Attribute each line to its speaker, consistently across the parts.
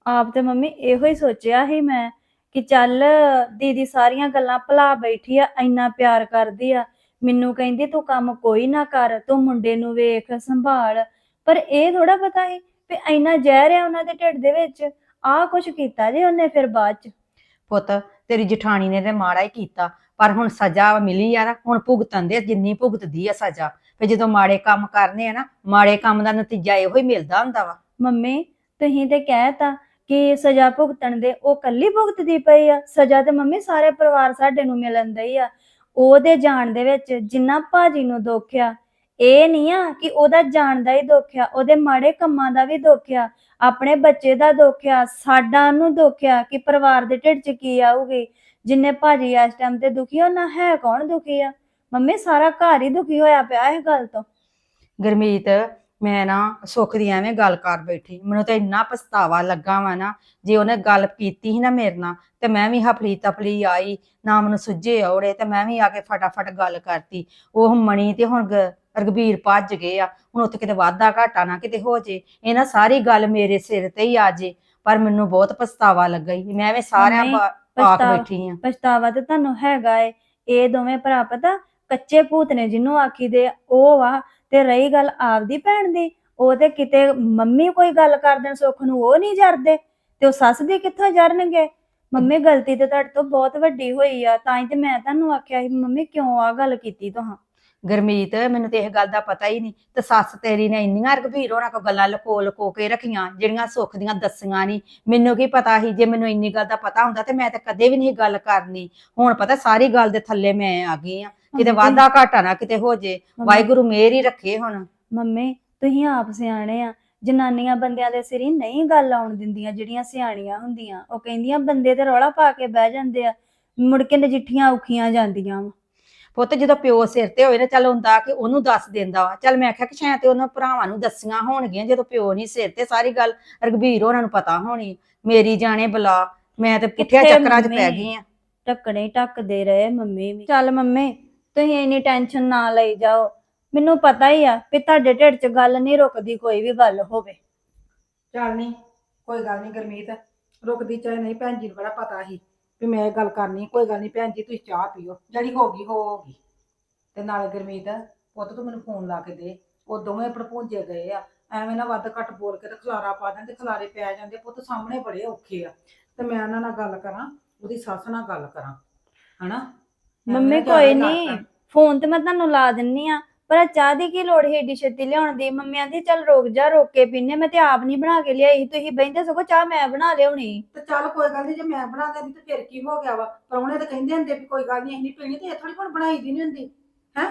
Speaker 1: ਆਪ ਤੇ ਮੰਮੀ ਇਹੋ ਹੀ ਸੋਚਿਆ ਸੀ ਮੈਂ ਕਿ ਚੱਲ ਦੀਦੀ ਸਾਰੀਆਂ ਗੱਲਾਂ ਭੁਲਾ ਬੈਠੀ ਆ, ਇੰਨਾ ਪਿਆਰ ਕਰਦੀ ਆ। ਮੈਨੂੰ ਕਹਿੰਦੀ ਤੂੰ ਕੰਮ ਕੋਈ ਨਾ ਕਰ, ਤੂੰ ਮੁੰਡੇ ਨੂੰ ਵੇਖ ਸੰਭਾਲ। ਪਰ ਇਹ ਥੋੜਾ ਪਤਾ ਸੀ ਵੀ ਇੰਨਾ ਜ਼ਹਿਰ ਆ ਉਹਨਾਂ ਦੇ ਢਿੱਡ ਦੇ ਵਿੱਚ। ਆਹ ਕੁਛ ਕੀਤਾ ਜੇ ਉਹਨੇ ਫਿਰ ਬਾਅਦ ਚ।
Speaker 2: ਪੁੱਤ ਤੇਰੀ ਜਠਾਣੀ ਨੇ ਤੇ ਮਾੜਾ ਹੀ ਕੀਤਾ, ਪਰ ਹੁਣ ਸਜ਼ਾ ਮਿਲੀ ਆ ਨਾ, ਹੁਣ ਭੁਗਤਣ ਦੇ ਜਿੰਨੀ ਭੁਗਤਦੀ ਆ ਸਜ਼ਾ। ਤੇ ਜਦੋਂ ਮਾੜੇ ਕੰਮ ਕਰਨੇ ਆ ਨਾ, ਮਾੜੇ ਕੰਮ ਦਾ ਨਤੀਜਾ ਇਹੋ ਹੀ ਮਿਲਦਾ ਹੁੰਦਾ ਵਾ।
Speaker 1: ਮੰਮੀ ਤੁਸੀਂ ਤੇ ਕਹਿਤਾ ਕਿ ਸਜ਼ਾ ਭੁਗਤਣ ਦੇ, ਉਹ ਕੱਲੀ ਭੁਗਤਦੀ ਪਈ ਆ ਸਜ਼ਾ। ਤੇ ਮੰਮੀ ਸਾਰੇ ਪਰਿਵਾਰ ਸਾਡੇ ਨੂੰ ਮਿਲਣ ਦਈ ਆ। ਉਹਦੇ ਜਾਣ ਦੇ ਵਿੱਚ ਜਿੰਨਾ ਭਾਜੀ ਨੂੰ ਦੁੱਖ ਆ, ਇਹ ਨਹੀਂ ਆ ਕਿ ਉਹਦਾ ਜਾਣ ਦਾ ਹੀ ਦੁੱਖ ਆ, ਉਹਦੇ ਮਾੜੇ ਕੰਮਾਂ ਦਾ ਵੀ ਦੁੱਖ ਆ, ਆਪਣੇ ਬੱਚੇ ਦਾ ਦੁੱਖ ਆ, ਸਾਡਾ ਨੂੰ ਦੁੱਖ ਆ ਕਿ ਪਰਿਵਾਰ ਦੇ ਢਿੱਡ 'ਚ ਕੀ ਆਊਗੀ। ਜਿੰਨੇ ਭਾਜੀ ਇਸ ਟਾਈਮ ਤੇ ਦੁਖੀ ਆ, ਉਹਨਾਂ ਹੈ ਕੌਣ ਦੁਖੀ ਆ? ਮੰਮੀ ਸਾਰਾ ਘਰ ਹੀ ਦੁਖੀ ਹੋਇਆ ਪਿਆ ਇਸ ਗੱਲ ਤੋਂ।
Speaker 2: ਗੁਰਮੀਤ, ਮੈਂ ਨਾ ਸੁੱਖ ਦੀ ਐਵੇਂ ਗੱਲ ਕਰ ਬੈਠੀ, ਮੈਨੂੰ ਤਾਂ ਇੰਨਾ ਪਛਤਾਵਾ ਲੱਗਾ ਵਾ ਨਾ। ਜੇ ਉਹਨੇ ਗੱਲ ਕੀਤੀ ਸੀ ਨਾ ਮੇਰੇ ਨਾਲ, ਤੇ ਮੈਂ ਵੀ ਹਫਲੀ ਤਫਲੀ ਆਈ, ਨਾ ਮੈਨੂੰ ਸੁੱਝੇ ਔੜੇ, ਤੇ ਮੈਂ ਵੀ ਆ ਕੇ ਫਟਾਫਟ ਗੱਲ ਕਰਤੀ। ਉਹ ਮਣੀ ਤੇ ਹੁਣ ਰਘਬੀਰ ਭੱਜ ਗਏ ਆ, ਹੁਣ ਉੱਥੇ ਕਿਤੇ ਵਾਧਾ ਘਾਟਾ ਨਾ ਕਿਤੇ ਹੋ ਜੇ, ਇਹ ਨਾ ਸਾਰੀ ਗੱਲ ਮੇਰੇ ਸਿਰ ਤੇ ਹੀ ਆ ਜੇ। ਪਰ ਮੈਨੂੰ ਬਹੁਤ ਪਛਤਾਵਾ ਲੱਗਾ ਹੀ, ਮੈਂ ਐਵੇਂ ਸਾਰਿਆਂ ਪਾਕ ਬੈਠੀ ਆ।
Speaker 1: ਪਛਤਾਵਾ ਤੇ ਤੁਹਾਨੂੰ ਹੈਗਾ ਏ। ਇਹ ਦੋਵੇਂ ਭਰਾ ਪਤਾ ਕੱਚੇ ਭੂਤ ਨੇ ਜਿਹਨੂੰ ਆਖੀਦੇ ਉਹ ਵਾ। ਤੇ ਰਹੀ ਗੱਲ ਆਪਦੀ ਭੈਣ ਦੀ, ਉਹ ਤੇ ਕਿਤੇ ਮੰਮੀ ਕੋਈ ਗੱਲ ਕਰ ਦੇਣ ਸੁੱਖ ਨੂੰ ਉਹ ਨਹੀਂ ਜਰਦੇ, ਤੇ ਉਹ ਸੱਸ ਦੀ ਕਿੱਥੋਂ ਜਰਨਗੇ? ਮੰਮੀ ਗਲਤੀ ਤੇ ਤੁਹਾਡੇ ਤੋਂ ਬਹੁਤ ਵੱਡੀ ਹੋਈ ਆ, ਤਾਂ ਹੀ ਤੇ ਮੈਂ ਤੁਹਾਨੂੰ ਆਖਿਆ ਸੀ ਮੰਮੀ ਕਿਉਂ ਆ ਗੱਲ ਕੀਤੀ ਤੁਹਾਂ।
Speaker 2: ਗੁਰਮੀਤ, ਮੈਨੂੰ ਤੇ ਇਹ ਗੱਲ ਦਾ ਪਤਾ ਹੀ ਨਹੀਂ, ਤੇ ਸੱਸ ਤੇਰੀ ਨੇ ਇੰਨੀਆਂ ਰਘਬੀਰ ਹੋਣਾ ਕੋ ਗੱਲਾਂ ਲੁਕੋ ਲੁਕੋ ਕੇ ਰੱਖੀਆਂ ਜਿਹੜੀਆਂ ਸੁੱਖ ਦੀਆਂ ਦੱਸੀਆਂ ਨਹੀਂ। ਮੈਨੂੰ ਕੀ ਪਤਾ ਸੀ? ਜੇ ਮੈਨੂੰ ਇੰਨੀ ਗੱਲ ਦਾ ਪਤਾ ਹੁੰਦਾ ਤੇ ਮੈਂ ਤਾਂ ਕਦੇ ਵੀ ਨਹੀਂ ਗੱਲ ਕਰਨੀ। ਹੁਣ ਪਤਾ ਸਾਰੀ ਗੱਲ ਦੇ ਥੱਲੇ ਮੈਂ ਆ ਗਈ ਆ, ਕਿਤੇ ਵਾਧਾ ਘਾਟਾ ਨਾ ਕਿਤੇ ਹੋ ਜੇ। ਵਾਹਿਗੁਰੂ ਮਿਹਰ ਹੀ ਰੱਖੇ। ਹੁਣ
Speaker 1: ਮੰਮੀ ਤੁਸੀਂ ਆਪ ਸਿਆਣੇ ਆ, ਜਨਾਨੀਆਂ ਬੰਦਿਆਂ ਦੇ ਸਿਰ ਹੀ ਨਹੀਂ ਗੱਲ ਆਉਣ ਦਿੰਦੀਆਂ। ਜਿਹੜੀਆਂ ਸਿਆਣੀਆਂ ਹੁੰਦੀਆਂ ਉਹ ਕਹਿੰਦੀਆਂ ਬੰਦੇ ਤੇ ਰੌਲਾ ਪਾ ਕੇ ਬਹਿ ਜਾਂਦੇ ਆ, ਮੁੜ ਕੇ ਨਜਿੱਠੀਆਂ ਔਖੀਆਂ ਜਾਂਦੀਆਂ ਵਾ।
Speaker 2: ਪੁੱਤ ਜਦੋਂ ਪਿਓ ਸਿਰ ਤੇ ਹੋਏ ਨਾ, ਚੱਲ ਹੁੰਦਾ ਕਿ ਉਹਨੂੰ ਦੱਸ ਦਿੰਦਾ ਵਾ। ਚੱਲ ਮੈਂ ਆਖਿਆ ਕਿ ਸ਼ਾਇਦ ਤੇ ਉਹਨਾਂ ਭਰਾਵਾਂ ਨੂੰ ਦੱਸੀਆਂ ਹੋਣਗੀਆਂ, ਜਦੋਂ ਪਿਓ ਨਹੀਂ ਸਿਰ ਤੇ ਸਾਰੀ ਗੱਲ ਰਘਬੀਰ ਹੋਰਾਂ ਨੂੰ ਪਤਾ ਹੋਣੀ। ਮੇਰੀ ਜਾਣੇ ਬਲਾ, ਮੈਂ ਤੇ ਪੁੱਠਿਆ ਚੱਕਰਾਂ 'ਚ ਪੈ ਗਈ ਆ।
Speaker 1: ਢੱਕਣੇ ਢੱਕਦੇ ਰਹੇ ਮੰਮੀ ਵੀ। ਚੱਲ ਮੰਮੀ ਤੁਸੀਂ ਇੰਨੀ ਟੈਨਸ਼ਨ ਨਾ ਲਈ ਜਾਓ, ਮੈਨੂੰ ਪਤਾ ਹੀ ਆ ਵੀ ਤੁਹਾਡੇ ਢਿੱਡ 'ਚ ਗੱਲ ਨਹੀਂ ਰੁਕਦੀ, ਕੋਈ ਵੀ ਗੱਲ ਹੋਵੇ।
Speaker 3: ਚੱਲ ਨਹੀਂ, ਕੋਈ ਗੱਲ ਨਹੀਂ ਗੁਰਮੀਤ, ਰੁਕਦੀ ਚਾਹੇ ਨਹੀਂ। ਭੈਣ ਜੀ ਨੂੰ ਬੜਾ ਪਤਾ ਸੀ ਵੀ ਮੈਂ ਇਹ ਗੱਲ ਕਰਨੀ। ਕੋਈ ਗੱਲ ਨਹੀਂ ਭੈਣ ਜੀ, ਤੁਸੀਂ ਚਾਹ ਪੀਓ, ਜਿਹੜੀ ਹੋ ਗਈ ਹੋ ਗਈ। ਤੇ ਨਾਲੇ ਗੁਰਮੀਤ ਪੁੱਤ ਤੂੰ ਮੈਨੂੰ ਫੋਨ ਲਾ ਕੇ ਦੇ, ਉਹ ਦੋਵੇਂ ਭੜਪੂੰਜੇ ਗਏ ਆ। ਐਵੇਂ ਨਾ ਵੱਧ ਘੱਟ ਬੋਲ ਕੇ ਤੇ ਖਲਾਰਾ ਪਾ ਦੇਣ, ਤੇ ਖਲਾਰੇ ਪੈ ਜਾਂਦੇ ਪੁੱਤ ਸਾਹਮਣੇ ਬੜੇ ਔਖੇ ਆ। ਤੇ ਮੈਂ ਉਹਨਾਂ ਨਾਲ ਗੱਲ ਕਰਾਂ, ਉਹਦੀ ਸੱਸ ਨਾਲ ਗੱਲ ਕਰਾਂ, ਹਨਾ?
Speaker 1: ਮੰਮੀ ਕੋਈ ਨਹੀਂ, ਫੋਨ ਤੇ ਮੈਂ ਤੁਹਾਨੂੰ ਲਾ ਦਿੰਨੀ ਆ, ਪਰ ਚਾਹ ਦੀ ਕੀ ਲੋੜ ਹੈ ਏਡੀ ਛੇਤੀ ਲਿਆਉਣ ਦੀ? ਮੰਮੀ ਆਂਦੀ ਚੱਲ ਰੁਕ ਜਾ, ਰੋਕ ਕੇ ਪੀਨੇ। ਮੈਂ ਤੇ ਆਪ ਨਹੀਂ ਬਣਾ ਕੇ ਲਿਆਈ, ਤੁਸੀਂ ਬਹਿੰਦੇ ਸਗੋਂ ਚਾਹ ਮੈਂ ਬਣਾ ਲਿਆਉਣੀ।
Speaker 3: ਤੇ ਚੱਲ ਕੋਈ ਗੱਲ ਨਹੀਂ, ਜੇ ਮੈਂ ਬਣਾ ਦਿੰਦੀ ਤੇ ਫਿਰ ਕੀ ਹੋ ਗਿਆ ਵਾ? ਪ੍ਰਾਹੁਣੇ ਤਾਂ ਕਹਿੰਦੇ ਹੁੰਦੇ ਵੀ ਕੋਈ ਗੱਲ ਨਹੀਂ ਅਸੀਂ ਨਹੀਂ ਪੀਣੀ, ਤੇ ਇਹ ਥੋੜੀ ਹੁਣ ਬਣਾਈ ਦੀ ਨਹੀਂ ਹੁੰਦੀ ਹੈ।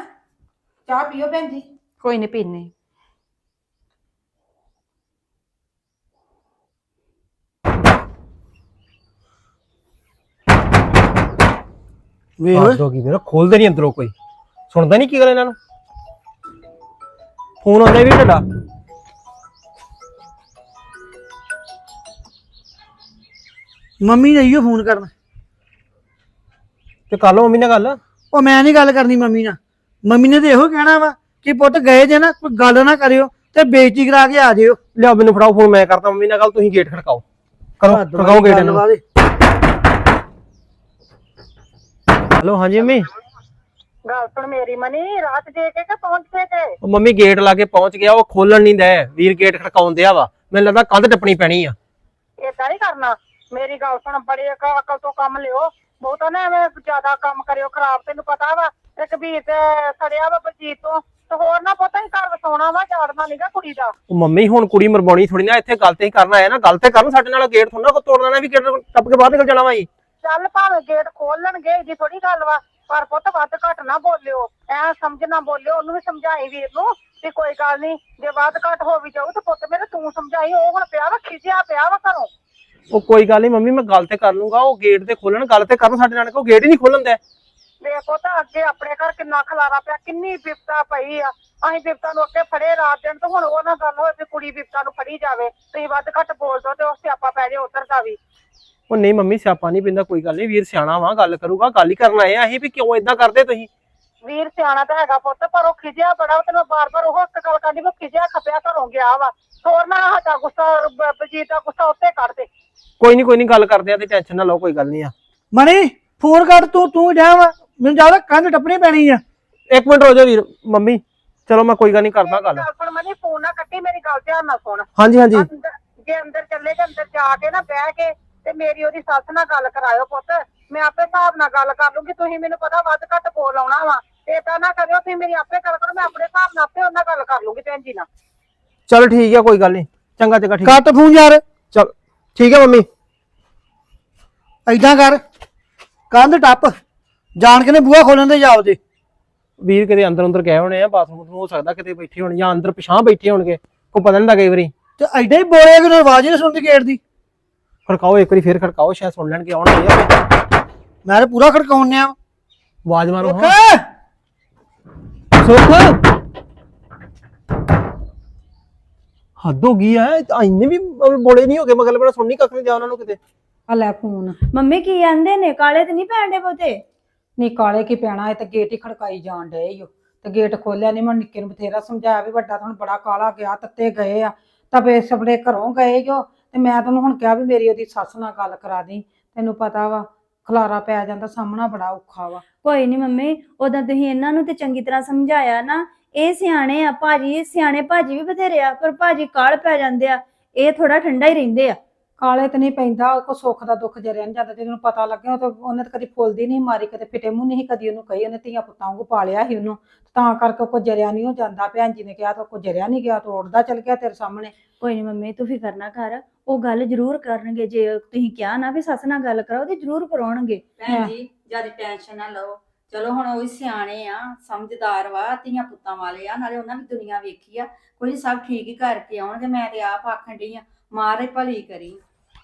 Speaker 3: ਚਾਹ ਪੀਓ ਭੈਣ ਜੀ।
Speaker 2: ਕੋਈ ਨਹੀਂ ਪੀਨੇ।
Speaker 4: ਵੇਖ ਕੀ ਮੇਰਾ ਖੋਲਦੇ ਨਹੀਂ ਅੰਦਰੋਂ, ਕੋਈ ਸੁਣਦਾ ਨਹੀਂ ਕੀ ਗੱਲ ਇਹਨਾਂ ਨੂੰ। ਫੋਨ ਆਉਂਦਾ ਵੀ ਤੁਹਾਡਾ।
Speaker 5: ਮੰਮੀ ਨੇ ਇਹੋ ਫੋਨ ਕਰਨਾ
Speaker 4: ਤੇ ਕਰ ਲਓ ਮੰਮੀ ਨਾਲ ਗੱਲ।
Speaker 5: ਉਹ ਮੈਂ ਨਹੀਂ ਗੱਲ ਕਰਨੀ ਮੰਮੀ ਨਾਲ। ਮੰਮੀ ਨੇ ਤੇ ਇਹੋ ਕਹਿਣਾ ਵਾ ਕਿ ਪੁੱਤ ਗਏ ਜੇ ਨਾ, ਕੋਈ ਗੱਲ ਨਾ ਕਰਿਓ ਤੇ ਬੇਇੱਜ਼ਤੀ ਕਰਾ ਕੇ ਆ ਜਿਓ।
Speaker 4: ਲਿਆਓ ਮੈਨੂੰ ਫੜਾਓ ਫੋਨ, ਮੈਂ ਕਰਦਾ ਮੰਮੀ ਨਾਲ ਗੱਲ, ਤੁਸੀਂ ਗੇਟ ਖੜਕਾਓ। ਕਰੋ ਖੜਕਾਓ ਗੇਟ ਇਹਨਾਂ ਨੂੰ। ਹੈਲੋ, ਹਾਂਜੀ ਮੰਮੀ।
Speaker 6: ਗੱਲ ਸੁਣ ਮੇਰੀ ਮਨੀ, ਰਾਤ ਦੇ ਕੇ ਪਹੁੰਚ ਗਏ ਤੇ?
Speaker 4: ਉਹ ਮੰਮੀ ਗੇਟ ਲਾ ਕੇ ਪਹੁੰਚ ਗਿਆ, ਉਹ ਖੋਲਣ ਨਹੀਂ ਦੇ। ਵੀਰ ਗੇਟ ਖੜਕਾਉਣ ਦਿਆ ਵਾ, ਮੈਨੂੰ ਲੱਗਦਾ ਕੰਧ ਟੱਪਣੀ ਪੈਣੀ ਆ।
Speaker 6: ਏਦਾਂ ਨਹੀਂ ਕਰਨਾ। ਮੇਰੀ ਗੱਲ ਸੁਣ, ਬੜੀ ਅਕਲ ਤੋਂ ਕੰਮ ਲਿਓ, ਬਹੁਤਾ ਨਾ ਐਵੇਂ ਜ਼ਿਆਦਾ ਕੰਮ ਕਰਿਓ ਖਰਾਬ। ਤੈਨੂੰ ਪਤਾ ਵਾ ਤੇ ਕਬੀਰ ਤੇ ਸੜਿਆ ਵਾ ਬਲਜੀਤ ਤੋਂ, ਤੇ ਹੋਰ ਨਾ ਪਤਾ ਹੀ ਘਰ ਵਸਾਉਣਾ ਵਾ, ਝਾੜਨਾ ਨੀਗਾ ਕੁੜੀ ਦਾ।
Speaker 4: ਉਹ ਮੰਮੀ ਹੁਣ ਕੁੜੀ ਮਰਵਾਉਣੀ ਥੋੜੀ ਨਾ, ਇੱਥੇ ਗੱਲ ਤੇ ਹੀ ਕਰਨਾ ਆਇਆ ਨਾ। ਗੱਲ ਤੇ ਕਰਨ ਸਾਡੇ ਨਾਲ, ਗੇਟ ਥੋੜਾ ਨਾ ਤੋੜ ਲੈਣਾ ਵੀ ਗੇਟ ਟੱਪ ਕੇ ਬਾਹਰ ਨਿਕਲ ਜਾਣਾ ਵਾ ਜੀ।
Speaker 6: ਚੱਲ ਭਾਵੇਂ ਗੇਟ ਖੋਲ ਲੈਣਗੇ, ਇਹਦੀ ਥੋੜੀ ਗੱਲ ਵਾ, ਪਰ ਪੁੱਤ ਵੱਧ ਘੱਟ ਨਾ ਬੋਲਿਓ, ਐ ਸਮਝ ਨਾ ਬੋਲਿਓ। ਉਹਨੂੰ ਵੀ ਸਮਝਾਈ ਵੀਰ ਨੂੰ ਵੀ ਕੋਈ ਗੱਲ ਨਹੀਂ, ਜੇ ਵੱਧ ਘੱਟ ਹੋ ਵੀ ਜਾਊ ਤੇ ਪੁੱਤ ਮੇਰੇ ਤੂੰ ਸਮਝਾਈ। ਉਹ ਹੁਣ ਪਿਆ ਵਾ ਖਿਜਿਆ ਪਿਆ ਵਾ ਘਰੋਂ।
Speaker 4: ਉਹ ਕੋਈ ਗੱਲ ਨਹੀਂ ਮੰਮੀ, ਮੈਂ ਗੱਲ ਤੇ ਕਰ ਲੂੰਗਾ। ਉਹ ਗੇਟ ਤੇ ਖੋਲਣ, ਗੱਲ ਤੇ ਕਰਨ ਸਾਡੇ ਨਾਲ, ਕੋ ਗੇਟ ਹੀ ਨਹੀਂ ਖੋਲਣ ਦੇ।
Speaker 6: ਵੇਖੋ ਤਾਂ ਅੱਗੇ ਆਪਣੇ ਘਰ ਕਿੰਨਾ ਖਲਾਰਾ ਪਿਆ, ਕਿੰਨੀ ਬਿਪਤਾ ਪਈ ਆ। ਅਸੀਂ ਬਿਪਤਾ ਨੂੰ ਅੱਗੇ ਫੜੇ ਰਾਤ ਦਿਨ, ਤੇ ਹੁਣ ਉਹ ਨਾ ਗੱਲ ਹੋਏ ਤੇ ਕੁੜੀ ਬਿਪਤਾ ਨੂੰ ਫੜੀ ਜਾਵੇ। ਤੁਸੀਂ ਵੱਧ ਘੱਟ ਬੋਲ ਦੋ ਤੇ ਉਹ ਸਿਆਪਾ ਪੈ ਜਾਏ ਉੱਧਰ ਦਾ ਵੀ।
Speaker 4: ਉਹ ਨਹੀਂ ਮੰਮੀ, ਸਿਆਪਾ ਨਹੀਂ ਪੈਂਦਾ, ਕੋਈ ਗੱਲ ਨਹੀਂ। ਵੀਰ ਸਿਆਣਾ ਵਾ, ਗੱਲ ਕਰੂਗਾ। ਗੱਲ ਹੀ ਕਰਨ ਆਏ ਆ ਅਸੀਂ ਵੀ ਕਿਉਂ ਏਦਾਂ ਕਰਦੇ ਤੁਸੀਂ।
Speaker 6: ਵੀਰ ਸਿਆਣਾ ਤਾਂ ਹੈਗਾ ਪੁੱਤ, ਪਰ ਉਹ ਖਿਜਿਆ ਬੜਾ। ਤੇ ਮੈਂ ਬਾਰ-ਬਾਰ ਉਹ ਇੱਕ ਗੱਲ ਕਰਦੀ, ਮੈਂ ਖਿਜਿਆ ਖਪਿਆ ਘਰੋਂ ਗਿਆ ਵਾ। ਹੋਰ ਨਾ ਸਾਡਾ ਗੁੱਸਾ, ਬਲਜੀਤ ਦਾ ਗੁੱਸਾ ਉੱਤੇ ਕੱਢ ਦੇ।
Speaker 4: ਕੋਈ ਨਹੀਂ ਗੱਲ ਕਰਦੇ ਆ ਤੇ ਟੈਨਸ਼ਨ ਨਾ ਲਓ, ਕੋਈ ਗੱਲ ਨਹੀਂ ਆ।
Speaker 5: ਮਣੀ ਫੋਨ ਕਰ, ਤੂੰ ਜਾ ਵਾ, ਮੈਨੂੰ ਜ਼ਿਆਦਾ ਕੰਧ ਟੱਪਣੀ ਪੈਣੀ ਆ।
Speaker 4: ਇੱਕ ਮਿੰਟ ਰੋ ਜਾ ਵੀਰ ਮੰਮੀ, ਚਲੋ ਮੈਂ ਕੋਈ ਗੱਲ ਨਹੀਂ ਕਰਦਾ ਗੱਲ।
Speaker 6: ਸੁਣ ਮਨੀ, ਫੋਨ ਨਾ ਕੱਟੀ, ਮੇਰੀ ਗੱਲ ਧਿਆਨ ਨਾਲ ਸੁਣ।
Speaker 4: ਹਾਂਜੀ ਹਾਂਜੀ
Speaker 6: ਜੇ ਅੰਦਰ ਚੱਲੇ ਤੇ ਅੰਦਰ ਜਾ ਕੇ ਨਾ ਬਹਿ ਕੇ ਤੇ ਮੇਰੀ ਉਹਦੀ ਸੱਸ ਨਾਲ ਗੱਲ ਕਰਾਇਓ ਪੁੱਤ। ਮੈਂ ਆਪੇ ਹਿਸਾਬ ਨਾਲ ਗੱਲ ਕਰ ਲੂੰਗੀ। ਤੁਸੀਂ ਮੈਨੂੰ ਪਤਾ ਵੱਧ ਘੱਟ ਬੋਲ ਆਉਣਾ ਵਾ, ਤੇ ਏਦਾਂ ਨਾ ਕਰਿਓ, ਤੁਸੀਂ ਮੇਰੀ ਆਪੇ ਗੱਲ ਕਰੋ, ਮੈਂ ਆਪਣੇ ਹਿਸਾਬ ਨਾਲ ਆਪੇ ਉਹਨਾਂ ਗੱਲ ਕਰ ਲੂੰਗੀ ਭੈਣ ਜੀ ਨਾਲ।
Speaker 4: ਚਲ ਠੀਕ ਆ, ਕੋਈ ਗੱਲ ਨਹੀਂ, ਚੰਗਾ ਠੀਕ।
Speaker 5: ਕੱਟ ਫੋਨ ਯਾਰ।
Speaker 4: ਚਲ ਠੀਕ ਆ ਮੰਮੀ।
Speaker 5: ਏਦਾਂ ਕਰ, ਕੰਧ ਟੱਪ, ਜਾਣ ਕੇ ਨੇ ਬੂਹਾ ਖੋਲਣ ਦੇ ਜਾ ਉਹਦੇ।
Speaker 4: ਵੀਰ ਕਿਤੇ ਅੰਦਰ ਗਏ ਹੋਣੇ ਆ, ਬਾਥਰੂਮ ਹੋ ਸਕਦਾ ਕਿਤੇ ਬੈਠੇ ਹੋਣ ਜਾਂ ਅੰਦਰ ਪਿਛਾਂ ਬੈਠੇ ਹੋਣਗੇ, ਕੋਈ ਪਤਾ ਨਹੀਂ ਲੱਗਾ ਕਈ ਵਾਰੀ।
Speaker 5: ਤੇ ਐਡਾ ਹੀ ਬੋਲਿਆ ਕਿ ਆਵਾਜ਼ ਹੀ ਨਹੀਂ ਸੁਣਦੀ ਗੇਟ ਦੀ।
Speaker 4: ਖੜਕਾਓ ਇੱਕ ਵਾਰੀ, ਫੇਰ ਖੜਕਾਓ, ਸ਼ਾਇਦ ਸੁਣ ਲੈਣਗੇ ਆਉਣਗੇ।
Speaker 5: ਮੈਂ ਤਾਂ ਪੂਰਾ ਖੜਕਾਉਣ ਆ।
Speaker 4: ਆਵਾਜ਼ ਮਾਰੋ
Speaker 5: ਸੁੱਖ,
Speaker 4: ਹਾਂ। ਸੁੱਖ ਹੱਦ ਹੋ ਗਈ ਐ, ਇੰਨੇ ਵੀ ਬੋਲੇ ਨਹੀਂ ਹੋ ਗਏ, ਮਗਰ ਬੜਾ ਸੁਣਨੀ ਕੱਖ ਨਹੀਂ ਜਾ ਉਹਨਾਂ ਨੂੰ ਕਿਤੇ।
Speaker 2: ਆ ਲੈ ਫੋਨ।
Speaker 1: ਮੰਮੀ ਕੀ ਕਹਿੰਦੇ ਨੇ, ਕਾਲੇ ਤੇ ਨਹੀਂ ਪੈਣਦੇ ਬਹੁਤੇ?
Speaker 2: ਨੀ ਕਾਲੇ ਕੀ ਪੈਣਾ, ਇਹ ਤੇ ਗੇਟ ਹੀ ਖੜਕਾਈ ਜਾਣ ਡਏ ਈ ਓ। ਤੇ ਗੇਟ ਖੋਲਿਆ ਨਹੀਂ, ਮੈਂ ਨਿੱਕੇ ਨੂੰ ਬਥੇਰਾ ਸਮਝਾਇਆ ਵੀ ਵੱਡਾ ਤੁਹਾਨੂੰ ਬੜਾ ਕਾਲਾ ਗਿਆ, ਤੱਤੇ ਗਏ ਆ, ਤਵੇ ਸਪੜੇ ਘਰੋਂ ਗਏ ਜੋ। ਤੇ ਮੈਂ ਤੈਨੂੰ ਹੁਣ ਕਿਹਾ ਵੀ ਮੇਰੀ ਉਹਦੀ ਸੱਸ ਨਾਲ ਗੱਲ ਕਰਾ ਦੀ, ਤੈਨੂੰ ਪਤਾ ਵਾ ਖਲਾਰਾ ਪੈ ਜਾਂਦਾ, ਸਾਹਮਣਾ ਬੜਾ ਔਖਾ ਵਾ।
Speaker 1: ਕੋਈ ਨਹੀਂ ਮੰਮੀ, ਉਦੋਂ ਤੁਸੀਂ ਇਹਨਾਂ ਨੂੰ ਤੇ ਚੰਗੀ ਤਰ੍ਹਾਂ ਸਮਝਾਇਆ ਨਾ। ਇਹ ਸਿਆਣੇ ਆ ਭਾਜੀ, ਸਿਆਣੇ ਭਾਜੀ ਵੀ ਬਥੇਰੇ ਆ, ਪਰ ਭਾਜੀ ਕਾਲ ਪੈ ਜਾਂਦੇ ਆ, ਇਹ ਥੋੜਾ ਠੰਡਾ ਹੀ ਰਹਿੰਦੇ ਆ।
Speaker 2: ਕਾਲੇ ਤੇ ਨਹੀਂ ਪੈਂਦਾ, ਕੋ ਸੁੱਖ ਦਾ ਦੁੱਖ ਜਰਿਆ ਨਹੀਂ ਜਾਂਦਾ, ਤੈਨੂੰ ਪਤਾ ਲੱਗਿਆ। ਉਹਨੇ ਤਾਂ ਕਦੀ ਫੁੱਲਦੀ ਨਹੀਂ ਮਾਰੀ, ਕਦੇ ਫਿੱਟੇ ਮੂੰਹ ਨਹੀਂ ਕਦੀ ਉਹਨੂੰ ਕਹੀ। ਉਹਨੇ ਧੀਆਂ ਪੁੱਤਾਂ ਵਾਂਗੂ ਪਾਲਿਆ ਸੀ ਉਹਨੂੰ, ਤਾਂ ਕਰਕੇ ਕੋਈ ਜਰਿਆ ਨਹੀਂ ਹੋ ਜਾਂਦਾ। ਭੈਣ ਜੀ ਨੇ ਕਿਹਾ ਤਾਂ ਕੋਈ ਜਰਿਆ ਨਹੀਂ ਗਿਆ, ਤੋੜਦਾ ਚੱਲ ਗਿਆ ਤੇਰੇ ਸਾਹਮਣੇ।
Speaker 1: ਕੋਈ ਨਹੀਂ ਮੰਮੀ, ਤੂੰ ਫਿਕਰ ਨਾ ਕਰ, ਉਹ ਗੱਲ ਜ਼ਰੂਰ ਕਰਨਗੇ। ਜੇ ਤੁਸੀਂ ਕਿਹਾ ਨਾ ਵੀ ਸੱਸ ਨਾਲ ਗੱਲ ਕਰਾਓ ਤੇ ਜ਼ਰੂਰ ਕਰਾਉਣਗੇ।
Speaker 2: ਭੈਣ ਜੀ ਜਿਆਦਾ ਟੈਨਸ਼ਨ ਨਾ ਲਓ, ਚਲੋ ਹੁਣ ਉਹ ਵੀ ਸਿਆਣੇ ਆ, ਸਮਝਦਾਰ ਵਾ, ਧੀਆਂ ਪੁੱਤਾਂ ਵਾਲੇ ਆ, ਨਾਲੇ ਉਹਨਾਂ ਵੀ ਦੁਨੀਆ ਵੇਖੀ ਆ। ਕੋਈ ਸਭ ਠੀਕ ਹੀ ਕਰਕੇ ਆਉਣਗੇ। ਮੈਂ ਤੇ ਆਪ ਆਖਣ ਡਈ ਆ, ਮਾਰੇ ਭਲੀ ਕਰੀ।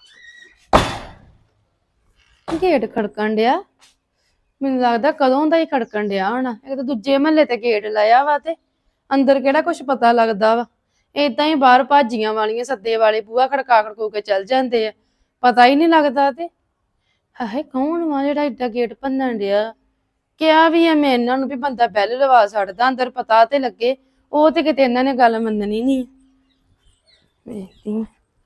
Speaker 7: ਗੇਟ ਖੜਕਣ ਡਿਆ, ਮੈਨੂੰ ਲੱਗਦਾ ਕਦੋਂ ਦਾ ਹੀ ਖੜਕਣ ਡਿਆ ਹੋਣਾ। ਇੱਕ ਤਾਂ ਦੂਜੇ ਮਹੱਲੇ ਤੇ ਗੇਟ ਲਾਇਆ ਵਾ, ਤੇ ਅੰਦਰ ਕਿਹੜਾ ਕੁਝ ਪਤਾ ਲੱਗਦਾ ਵਾ। ਏਦਾਂ ਹੀ ਬਾਹਰ ਭਾਜੀਆਂ ਵਾਲੀਆਂ ਸੱਦੇ ਵਾਲੇ ਬੂਹਾ ਖੜਕਾ ਖੜਕੂ ਕੇ ਚੱਲ ਜਾਂਦੇ ਆ, ਪਤਾ ਹੀ ਨਹੀਂ ਲੱਗਦਾ। ਤੇ ਹਾਏ ਕੌਣ ਵਾ ਜਿਹੜਾ ਏਡਾ ਗੇਟ ਭੰਨਣ ਡਿਆ? ਕਿਹਾ ਵੀ ਆ ਮੈਂ ਇਹਨਾਂ ਨੂੰ ਵੀ ਬੰਦਾ ਬੈਲ ਲਵਾ ਛੱਡਦਾ, ਅੰਦਰ ਪਤਾ ਤੇ ਲੱਗੇ। ਉਹ ਤੇ ਕਿਤੇ ਇਹਨਾਂ ਨੇ ਗੱਲ ਮੰਨਣੀ ਨਹੀਂ। ਵੇਖਦੀ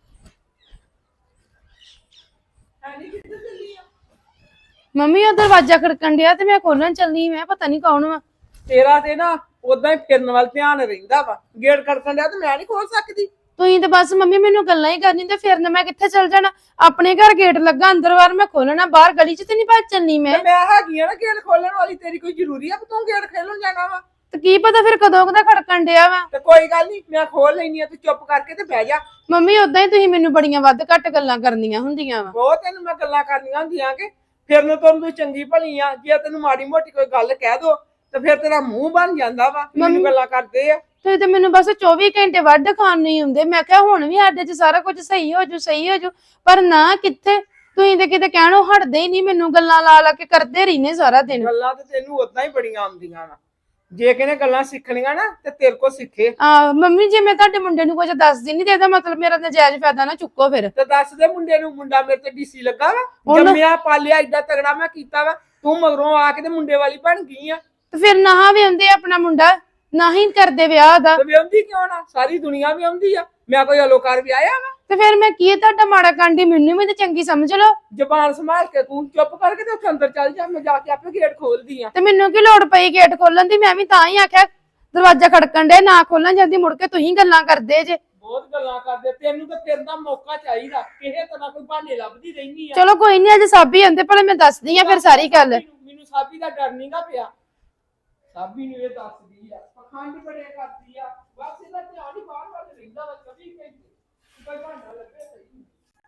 Speaker 7: ਮੰਮੀ, ਉਹ ਦਰਵਾਜ਼ਾ ਖੜਕਣ ਡਿਆ ਤੇ ਮੈਂ ਖੋਲਣ ਚੱਲਨੀ। ਮੈਂ ਪਤਾ ਨਹੀਂ ਕੌਣ ਵਾ।
Speaker 8: ਤੇਰਾ ਤੇ ਨਾ ਉਦਾਂ ਹੀ ਫਿਰਨ ਵੱਲ ਧਿਆਨ ਰਹਿੰਦਾ ਵਾ। ਗੇਟ ਖੜਕਣ ਡਿਆ ਤੇ ਮੈਂ ਨਹੀਂ ਖੋਲ ਸਕਦੀ।
Speaker 7: ਤੁਸੀਂ ਤੇ ਬਸ ਮੰਮੀ ਮੈਨੂੰ ਗੱਲਾਂ ਹੀ ਕਰਨੀ, ਤੇ ਫਿਰ ਮੈਂ ਕਿੱਥੇ ਚੱਲ ਜਾਣਾ? ਆਪਣੇ ਘਰ ਗੇਟ ਲੱਗਾ, ਅੰਦਰ ਬਾਹਰ ਮੈਂ ਖੋਲਣਾ, ਬਾਹਰ ਗਲੀ 'ਚ ਤੇ ਨਹੀਂ ਭੱਜ ਚੱਲਨੀ ਮੈਂ।
Speaker 8: ਤੇ ਮੈਂ ਹੈਗੀ ਆ ਨਾ ਗੇਟ ਖੋਲਣ ਵਾਲੀ, ਤੇਰੀ ਕੋਈ ਜ਼ਰੂਰੀ ਆ ਕਿ ਤੂੰ ਗੇਟ ਖੋਲਣ ਜਾਣਾ ਵਾ?
Speaker 7: ਤੇ ਕੀ ਪਤਾ ਫਿਰ ਕਦੋਂ ਕਦਾ ਖੜਕਣ ਡਿਆ ਵਾ।
Speaker 8: ਤੇ ਕੋਈ ਗੱਲ ਨਹੀਂ, ਮੈਂ ਖੋਲ ਲੈਣੀ ਆ, ਤੂੰ ਚੁੱਪ ਕਰਕੇ ਤੇ ਬਹਿ ਜਾ।
Speaker 7: ਮੰਮੀ ਉਦਾਂ ਹੀ ਤੁਸੀਂ ਮੈਨੂੰ ਬੜੀਆਂ ਵੱਧ ਘੱਟ ਗੱਲਾਂ ਕਰਨੀਆਂ ਹੁੰਦੀਆਂ ਵਾ।
Speaker 8: ਬਹੁਤ ਤੈਨੂੰ ਮੈਂ ਗੱਲਾਂ ਕਰਨੀਆਂ ਹੁੰਦੀਆਂ ਕਿ ਫਿਰਨ ਤੋਂ ਤੂੰ ਚੰਗੀ ਭਲੀ ਆ। ਜੇ ਤੈਨੂੰ ਮਾੜੀ ਮੋਟੀ ਕੋਈ ਗੱਲ ਕਹਿ ਦੋ ਤੇ ਫਿਰ ਤੇਰਾ ਮੂੰਹ ਬਣ ਜਾਂਦਾ ਵਾ, ਮੈਨੂੰ ਗੱਲਾਂ ਕਰਦੇ ਆ।
Speaker 7: ਤੁਸੀਂ ਤੇ ਮੈਨੂੰ ਬਸ 24 ਘੰਟੇ ਵੱਢ ਖਾਣ ਨਹੀਂ ਹੁੰਦੇ। ਮੈਂ ਕਿਹਾ ਹੁਣ ਵੀ ਸਾਡੇ 'ਚ ਸਾਰਾ ਕੁਝ ਸਹੀ ਹੋ ਜੂ, ਪਰ ਨਾ ਕਿੱਥੇ। ਤੁਸੀਂ ਤੇ ਕਿਤੇ ਕਹਿਣੋਂ ਹਟਦੇ ਹੀ ਨਹੀਂ, ਮੈਨੂੰ ਗੱਲਾਂ ਲਾ ਲਾ ਕੇ ਕਰਦੇ ਰਹਿੰਦੇ ਸਾਰਾ ਦਿਨ।
Speaker 8: ਗੱਲਾਂ ਤੇ ਤੈਨੂੰ ਉਦਾਂ ਹੀ ਬੜੀਆਂ ਆਉਂਦੀਆਂ ਵਾ। ਜੇ ਕਿਨੇ ਗੱਲਾਂ ਸਿੱਖਣੀਆਂ ਨਾ ਤੇ ਤੇਰੇ ਕੋਲ ਸਿੱਖੇ।
Speaker 7: ਮੰਮੀ ਜੇ ਮੈਂ ਤੁਹਾਡੇ ਮੁੰਡੇ ਨੂੰ ਕੁਝ ਦੱਸਦੀ ਨਹੀਂ ਤੇ ਇਹਦਾ ਮਤਲਬ ਮੇਰਾ ਨਜਾਇਜ਼ ਫਾਇਦਾ ਨਾ ਚੁੱਕੋ ਫਿਰ।
Speaker 8: ਤੇ ਦੱਸ ਦੇ ਮੁੰਡੇ ਨੂੰ, ਮੁੰਡਾ ਮੇਰੇ ਤੇ ਡੀਸੀ ਲੱਗਾ ਵਾ। ਜੰਮਿਆ ਪਾਲਿਆ ਏਡਾ ਤਗੜਾ ਮੈਂ ਕੀਤਾ ਵਾ, ਤੂੰ ਮਗਰੋਂ ਆ ਕੇ ਤੇ ਮੁੰਡੇ ਵਾਲੀ ਬਣ ਗਈ ਆ।
Speaker 7: ਤੇ ਫਿਰ ਨਾ ਵੀ ਆਉਂਦੇ ਆਪਣਾ ਮੁੰਡਾ, ਨਾ ਹੀ ਕਰਦੇ ਵਿਆਹ ਦਾ।
Speaker 8: ਤੇ ਵਿਆਹੁੰਦੀ ਕਿਉਂ ਨਾ? ਸਾਰੀ ਦੁਨੀਆ ਵੀ ਆਉਂਦੀ ਆ। ਮੈਂ ਕੋਈ ਅਲੋਕਾਰ ਵੀ ਆਇਆ ਵਾ?
Speaker 7: ਤੇ ਫਿਰ ਮੈਂ ਕੀ ਤੁਹਾਡਾ ਮਾੜਾ ਕਾਂਡੀ, ਮੈਨੂੰ ਵੀ ਤੇ ਚੰਗੀ ਸਮਝ ਲਓ।
Speaker 8: ਜ਼ਬਾਨ ਸੰਭਾਲ ਕੇ ਤੂੰ ਚੁੱਪ ਕਰਕੇ ਤੇ ਉੱਥੇ ਅੰਦਰ ਚੱਲ ਜਾ, ਮੈਂ ਜਾ ਕੇ ਆਪੇ ਗੇਟ ਖੋਲਦੀ ਆ।
Speaker 7: ਤੇ ਮੈਨੂੰ ਕੀ ਲੋੜ ਪਈ ਗੇਟ ਖੋਲਣ ਦੀ? ਮੈਂ ਵੀ ਤਾਂ ਹੀ ਆਖਿਆ ਦਰਵਾਜ਼ਾ ਖੜਕਣ ਦੇ, ਨਾ ਖੋਲਣ ਜਾਂਦੀ, ਮੁੜ ਕੇ ਤੁਸੀਂ ਗੱਲਾਂ ਕਰਦੇ ਜੇ।
Speaker 8: ਬਹੁਤ ਗੱਲਾਂ ਕਰਦੇ, ਤੈਨੂੰ ਤਾਂ ਫਿਰਨ ਦਾ ਮੌਕਾ ਚਾਹੀਦਾ। ਕਿਸੇ ਤਰ੍ਹਾਂ ਕੋਈ ਬਹਾਨੇ ਲੱਭਦੀ ਰਹਿਨੀ ਆ।
Speaker 7: ਚਲੋ ਕੋਈ ਨਹੀਂ, ਅੱਜ ਸਾਬੀ ਆਂਦੇ ਭਲੇ ਮੈਂ ਦੱਸਦੀ ਆ ਫਿਰ ਸਾਰੀ ਗੱਲ।
Speaker 8: ਮੈਨੂੰ ਸਾਬੀ ਦਾ ਡਰ ਨਹੀਂਗਾ ਪਿਆ। ਸਾਬੀ ਨੂੰ ਇਹ ਦੱਸਦੀ ਆ, ਪਖੰਡ ਬੜੇ ਕਰਦੀ ਆ। ਬਸ ਇਹਦਾ ਧਿਆਨ ਹੀ ਬਾਹਰ ਵੱਲ ਰਹਿੰਦਾ ਵਾ 24 ਘੰਟੇ। ਕੋਈ ਬਹਾਨਾ ਲੱਭੇ ਸਹੀ।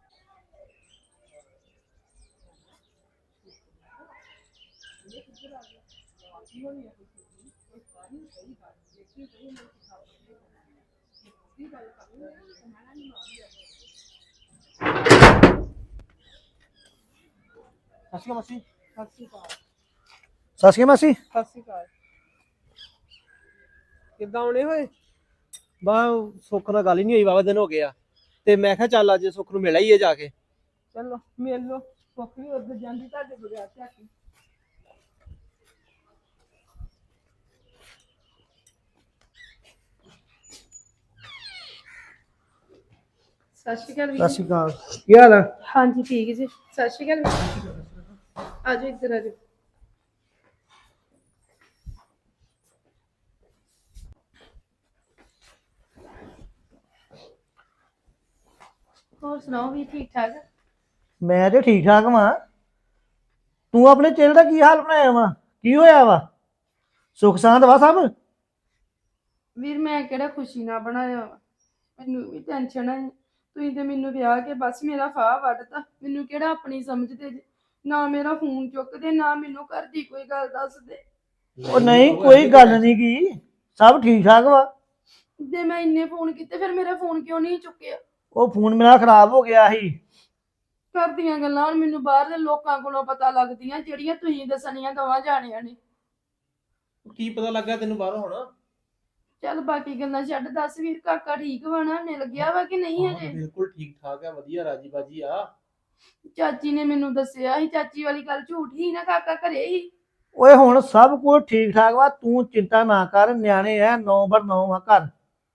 Speaker 4: ਸਸੀ ਮਸੀ
Speaker 8: ਸਤਿ ਸ਼੍ਰੀ ਅਕਾਲ।
Speaker 5: ਸਤਿ ਸ਼੍ਰੀ ਅਕਾਲ ਮਾਸੀ।
Speaker 8: ਸਤਿ ਸ਼੍ਰੀ ਅਕਾਲ। ਕਿੱਦਾਂ ਆਉਣੇ ਹੋਏ?
Speaker 4: ਬਾ ਸੁੱਖ ਨਾਲ ਗੱਲ ਹੀ ਨਹੀਂ ਹੋਈ, ਵਾਵਾ ਦਿਨ ਹੋ ਗਏ ਆ, ਤੇ ਮੈਂ ਕਿਹਾ ਚੱਲ ਅੱਜ ਸੁੱਖ ਨੂੰ ਮਿਲ ਆਈਏ ਜਾ ਕੇ।
Speaker 8: ਚਲੋ ਮਿਲ ਲੋ। ਸੁੱਖ ਵੀ ਉੱਧਰ ਜਾਂਦੀ ਤੁਹਾਡੇ ਬਗੈਰ ਝਾਕੀ।
Speaker 7: ਸਤਿ ਸ਼੍ਰੀ ਅਕਾਲ
Speaker 5: ਸਤਿ
Speaker 7: ਵੀਰ
Speaker 5: ਸ਼੍ਰੀ ਅਕਾਲ। ਕੀ ਹਾਲ ਆ?
Speaker 7: ਹਾਂਜੀ ਠੀਕ ਜੀ। ਸਤਿ ਸ਼੍ਰੀ ਅਕਾਲ ਆਜੋ ਇੱਧਰ ਆਜੋ। ਹੋਰ ਸੁਣਾਓ ਵੀ ਠੀਕ ਠਾਕ?
Speaker 5: ਮੈਂ ਤੇ ਠੀਕ ਠਾਕ ਵਾਂ। ਤੂੰ ਆਪਣੇ ਚਿਹਰੇ ਦਾ ਕੀ ਹਾਲ ਬਣਾਇਆ ਵਾ? ਕੀ ਹੋਇਆ ਵਾ? ਸੁੱਖ ਸਾਂਦ ਵਾ ਸਭ?
Speaker 7: ਵੀਰ ਮੈਂ ਕਿਹੜਾ ਖੁਸ਼ੀ ਨਾਲ ਬਣਾਇਆ ਵਾ, ਮੈਨੂੰ ਵੀ ਟੈਨਸ਼ਨ ਹੈ। ਤੁਸੀਂ ਤੇ ਮੈਨੂੰ ਵਿਆਹ ਕੇ ਬਸ ਮੇਰਾ ਫਾਹ ਵੱਢਤਾ। ਮੈਨੂੰ ਕਿਹੜਾ ਆਪਣੀ ਸਮਝਦੇ ਜੇ? ਨਾ ਮੇਰਾ ਫੋਨ ਚੁੱਕਦੇ, ਨਾ ਮੈਨੂੰ ਘਰ ਦੀ ਕੋਈ ਗੱਲ ਦੱਸਦੇ।
Speaker 5: ਉਹ ਨਹੀਂ, ਕੋਈ ਗੱਲ ਨਹੀਂ ਗੀ, ਸਭ ਠੀਕ ਠਾਕ ਵਾ।
Speaker 7: ਜੇ ਮੈਂ ਇੰਨੇ ਫੋਨ ਕੀਤੇ ਫਿਰ ਮੇਰਾ ਫੋਨ ਕਿਉਂ ਨਹੀਂ ਚੁੱਕਿਆ?
Speaker 5: ਉਹ ਫੋਨ ਮੇਰਾ ਖਰਾਬ ਹੋ ਗਿਆ ਸੀ।
Speaker 7: ਘਰ ਦੀਆਂ ਗੱਲਾਂ ਹੁਣ ਮੈਨੂੰ ਬਾਹਰ ਦੇ ਲੋਕਾਂ ਕੋਲੋਂ ਪਤਾ ਲੱਗਦੀਆਂ, ਜਿਹੜੀਆਂ ਤੁਸੀਂ ਦੱਸਣੀਆਂ ਦੋਵਾਂ ਜਾਣਿਆਂ ਨੇ।
Speaker 4: ਕੀ ਪਤਾ ਲੱਗਾ ਤੈਨੂੰ ਬਾਹਰੋਂ ਹੁਣ?
Speaker 7: ਚੱਲ ਬਾਕੀ ਗੱਲਾਂ ਛੱਡ, ਦੱਸ ਵੀਰ ਕਾਕਾ ਠੀਕ ਵਾ ਨਾ? ਮਿਲ ਗਿਆ ਵਾ ਕਿ ਨਹੀਂ ਹਜੇ?
Speaker 4: ਬਿਲਕੁਲ ਠੀਕ ਠਾਕ ਆ, ਵਧੀਆ ਰਾਜੀ ਬਾਜੀ ਆ।
Speaker 7: ਚਾਚੀ ਨੇ ਮੈਨੂੰ ਦੱਸਿਆ ਸੀ, ਚਾਚੀ ਵਾਲੀ ਗੱਲ ਝੂਠ ਹੀ ਨਾ, ਕਾਕਾ ਘਰੇ ਹੀ।
Speaker 5: ਓਏ ਹੁਣ ਸਭ ਕੁਝ ਠੀਕ ਠਾਕ ਵਾ, ਤੂੰ ਚਿੰਤਾ ਨਾ ਕਰ। ਨਿਆਣੇ ਐ 9/9 ਆ ਘਰ।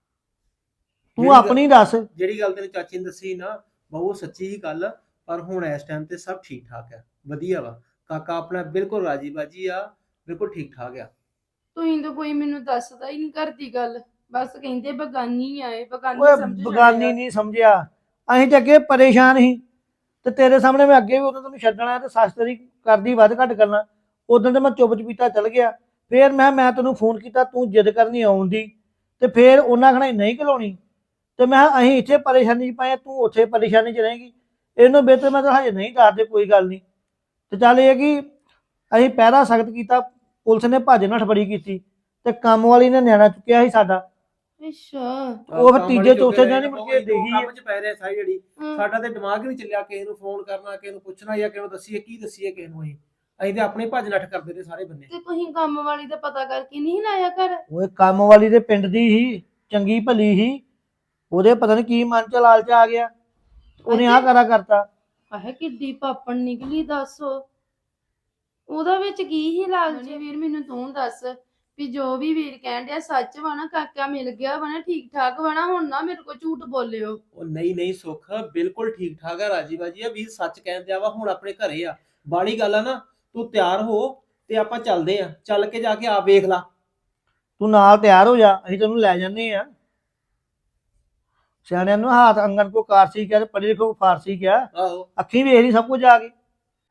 Speaker 5: ਤੂੰ ਆਪਣੀ ਦੱਸ।
Speaker 4: ਜਿਹੜੀ ਗੱਲ ਤੈਨੂੰ ਚਾਚੀ ਨੇ ਦੱਸੀ ਨਾ ਬਹੁਤ ਸੱਚੀ ਹੀ ਗੱਲ, ਪਰ ਹੁਣ ਇਸ ਟਾਈਮ ਤੇ ਸਭ ਠੀਕ ਠਾਕ ਆ, ਵਧੀਆ ਵਾ। ਕਾਕਾ ਆਪਣਾ ਬਿਲਕੁਲ ਰਾਜੀ ਬਾਜੀ ਆ, ਬਿਲਕੁਲ ਠੀਕ ਠਾਕ ਆ।
Speaker 7: ਤੁਸੀਂ ਤਾਂ ਕੋਈ ਮੈਨੂੰ ਦੱਸਦਾ ਹੀ ਨਹੀਂ ਘਰ ਦੀ ਗੱਲ, ਬਸ ਕਹਿੰਦੇ ਬਗਾਨੀ ਆਏ, ਬਗਾਨੀ
Speaker 5: ਓਏ
Speaker 7: ਸਮਝ
Speaker 5: ਬਗਾਨੀ ਨਹੀਂ ਸਮਝਿਆ, ਅਸੀਂ ਤੇ ਅੱਗੇ ਪਰੇਸ਼ਾਨ ਸੀ। ਤੇ ਤੇਰੇ ਸਾਹਮਣੇ ਮੈਂ ਅੱਗੇ ਵੀ ਉਦੋਂ ਤੈਨੂੰ ਛੱਡਣਾ ਤੇ ਸੱਸ ਤੇਰੀ ਕਰਦੀ ਵੱਧ ਘੱਟ ਕਰਨਾ। ਉਦੋਂ ਤੇ ਮੈਂ ਚੁੱਪ ਚਪੀਤਾ ਚੱਲ ਗਿਆ। ਫੇਰ ਮੈਂ ਤੈਨੂੰ ਫੋਨ ਕੀਤਾ, ਤੂੰ ਜਿੱਦ ਕਰਨੀ ਆਉਣ ਦੀ, ਤੇ ਫੇਰ ਉਹਨਾਂ ਖਣਾ ਨਹੀਂ ਘਲਾਉਣੀ। ਤੇ ਮੈਂ ਕਿਹਾ ਅਸੀਂ ਇੱਥੇ ਪਰੇਸ਼ਾਨੀ 'ਚ ਪਏ, ਤੂੰ ਉੱਥੇ ਪਰੇਸ਼ਾਨੀ 'ਚ ਰਹੇਗੀ। ਇਹਨੂੰ ਬਿਹਤਰ ਮੈਂ ਤਾਂ ਹਜੇ ਨਹੀਂ ਦੱਸਦੇ, ਕੋਈ ਗੱਲ ਨਹੀਂ। ਤੇ ਚੱਲ ਇਹ ਕਿ ਅਸੀਂ ਪਹਿਰਾ ਸਖਤ ਕੀਤਾ, ਪੁਲਿਸ ਨੇ ਭੱਜ ਨੱਠ ਬੜੀ ਕੀਤੀ, ਤੇ ਕੰਮ ਵਾਲੀ ਨੇ ਨਿਆਣਾ ਚੁੱਕਿਆ ਸੀ ਸਾਡਾ।
Speaker 7: ਅੱਛਾ।
Speaker 5: ਉਹ ਫਿਰ ਤੀਜੇ ਚੌਥੇ ਦਿਨ ਹੀ ਮੁੜ ਕੇ ਦੇਖੀ।
Speaker 4: ਕੰਮ 'ਚ ਪੈ ਰਿਹਾ ਸਾਰੀ ਜਿਹੜੀ ਸਾਡਾ ਤੇ ਦਿਮਾਗ ਹੀ ਨਹੀਂ ਚੱਲਿਆ ਕਿਸੇ ਨੂੰ ਫੋਨ ਕਰਨਾ, ਕਿਸੇ ਨੂੰ ਪੁੱਛਣਾ ਜਾਂ ਕਿਸੇ ਨੂੰ ਦੱਸੀਏ ਕੀ ਦੱਸੀਏ ਕਿਸੇ ਨੂੰ। ਅਸੀਂ ਤੇ ਆਪਣੇ ਭੱਜ ਨੱਠ ਕਰਦੇ ਰਹੇ ਸਾਰੇ ਬੰਦੇ।
Speaker 7: ਤੇ ਤੁਸੀਂ ਕੰਮ ਵਾਲੀ ਦਾ ਪਤਾ ਕਰਕੇ ਨਹੀਂ ਲਾਇਆ ਘਰ?
Speaker 5: ਉਹ ਕੰਮ ਵਾਲੀ ਦੇ ਪਿੰਡ ਦੀ ਹੀ, ਚੰਗੀ ਭਲੀ ਹੀ। ਉਹਦੇ ਪਤਾ ਨਹੀਂ ਕੀ ਮਨ ਚ ਲਾਲਚ ਆ ਗਿਆ, ਉਹਨੇ ਆਹ ਕਰਾ ਕਰਤਾ।
Speaker 7: ਆਹ ਕਿੱਡੀ ਪਾਪਣ ਨਿਕਲੀ, ਦੱਸੋ ਉਹਦਾ ਵਿੱਚ ਕੀ ਹੀ ਲਾਲਚ? ਵੀਰ ਮੈਨੂੰ ਤੂੰ ਦੱਸ ਵੀ ਜੋ ਵੀ ਵੀਰ ਕਹਿਣ ਡਿਆ ਸੱਚ ਵਾ ਨਾ? ਕਾਕਾ ਮਿਲ ਗਿਆ ਵਾ ਨਾ, ਠੀਕ ਠਾਕ ਵਾ ਨਾ? ਹੁਣ ਨਾ ਮੇਰੇ ਕੋਲ ਝੂਠ ਬੋਲਿਓ।
Speaker 4: ਉਹ ਨਹੀਂ ਸੁੱਖ, ਬਿਲਕੁਲ ਠੀਕ ਠਾਕ ਆ, ਰਾਜੀ ਬਾਜੀ ਆ। ਵੀਰ ਸੱਚ ਕਹਿੰਦੇ ਆ ਵਾ, ਹੁਣ ਆਪਣੇ ਘਰੇ ਆ। ਬਾੜੀ ਗੱਲ ਆ ਨਾ, ਤੂੰ ਤਿਆਰ ਹੋ ਤੇ ਆਪਾਂ ਚੱਲਦੇ ਆ, ਚੱਲ ਕੇ ਜਾ ਕੇ ਆਪ ਵੇਖ ਲਾ।
Speaker 5: ਤੂੰ ਨਾਲ ਤਿਆਰ ਹੋ ਜਾ, ਅਸੀਂ ਤੈਨੂੰ ਲੈ ਜਾਂਦੇ ਆ। ਸਿਆਣਿਆਂ ਨੂੰ ਹਾਥ ਅੰਗਨ ਕੋ ਕਾਰਸੀ ਕਿਹਾ ਤੇ ਪੜ੍ਹੇ ਲਿਖੋ ਫਾਰਸੀ ਕਿਹਾ।
Speaker 4: ਆਹੋ
Speaker 5: ਅੱਖੀਂ ਵੇਖ ਲਈ ਸਭ ਕੁਝ ਆ ਕੇ।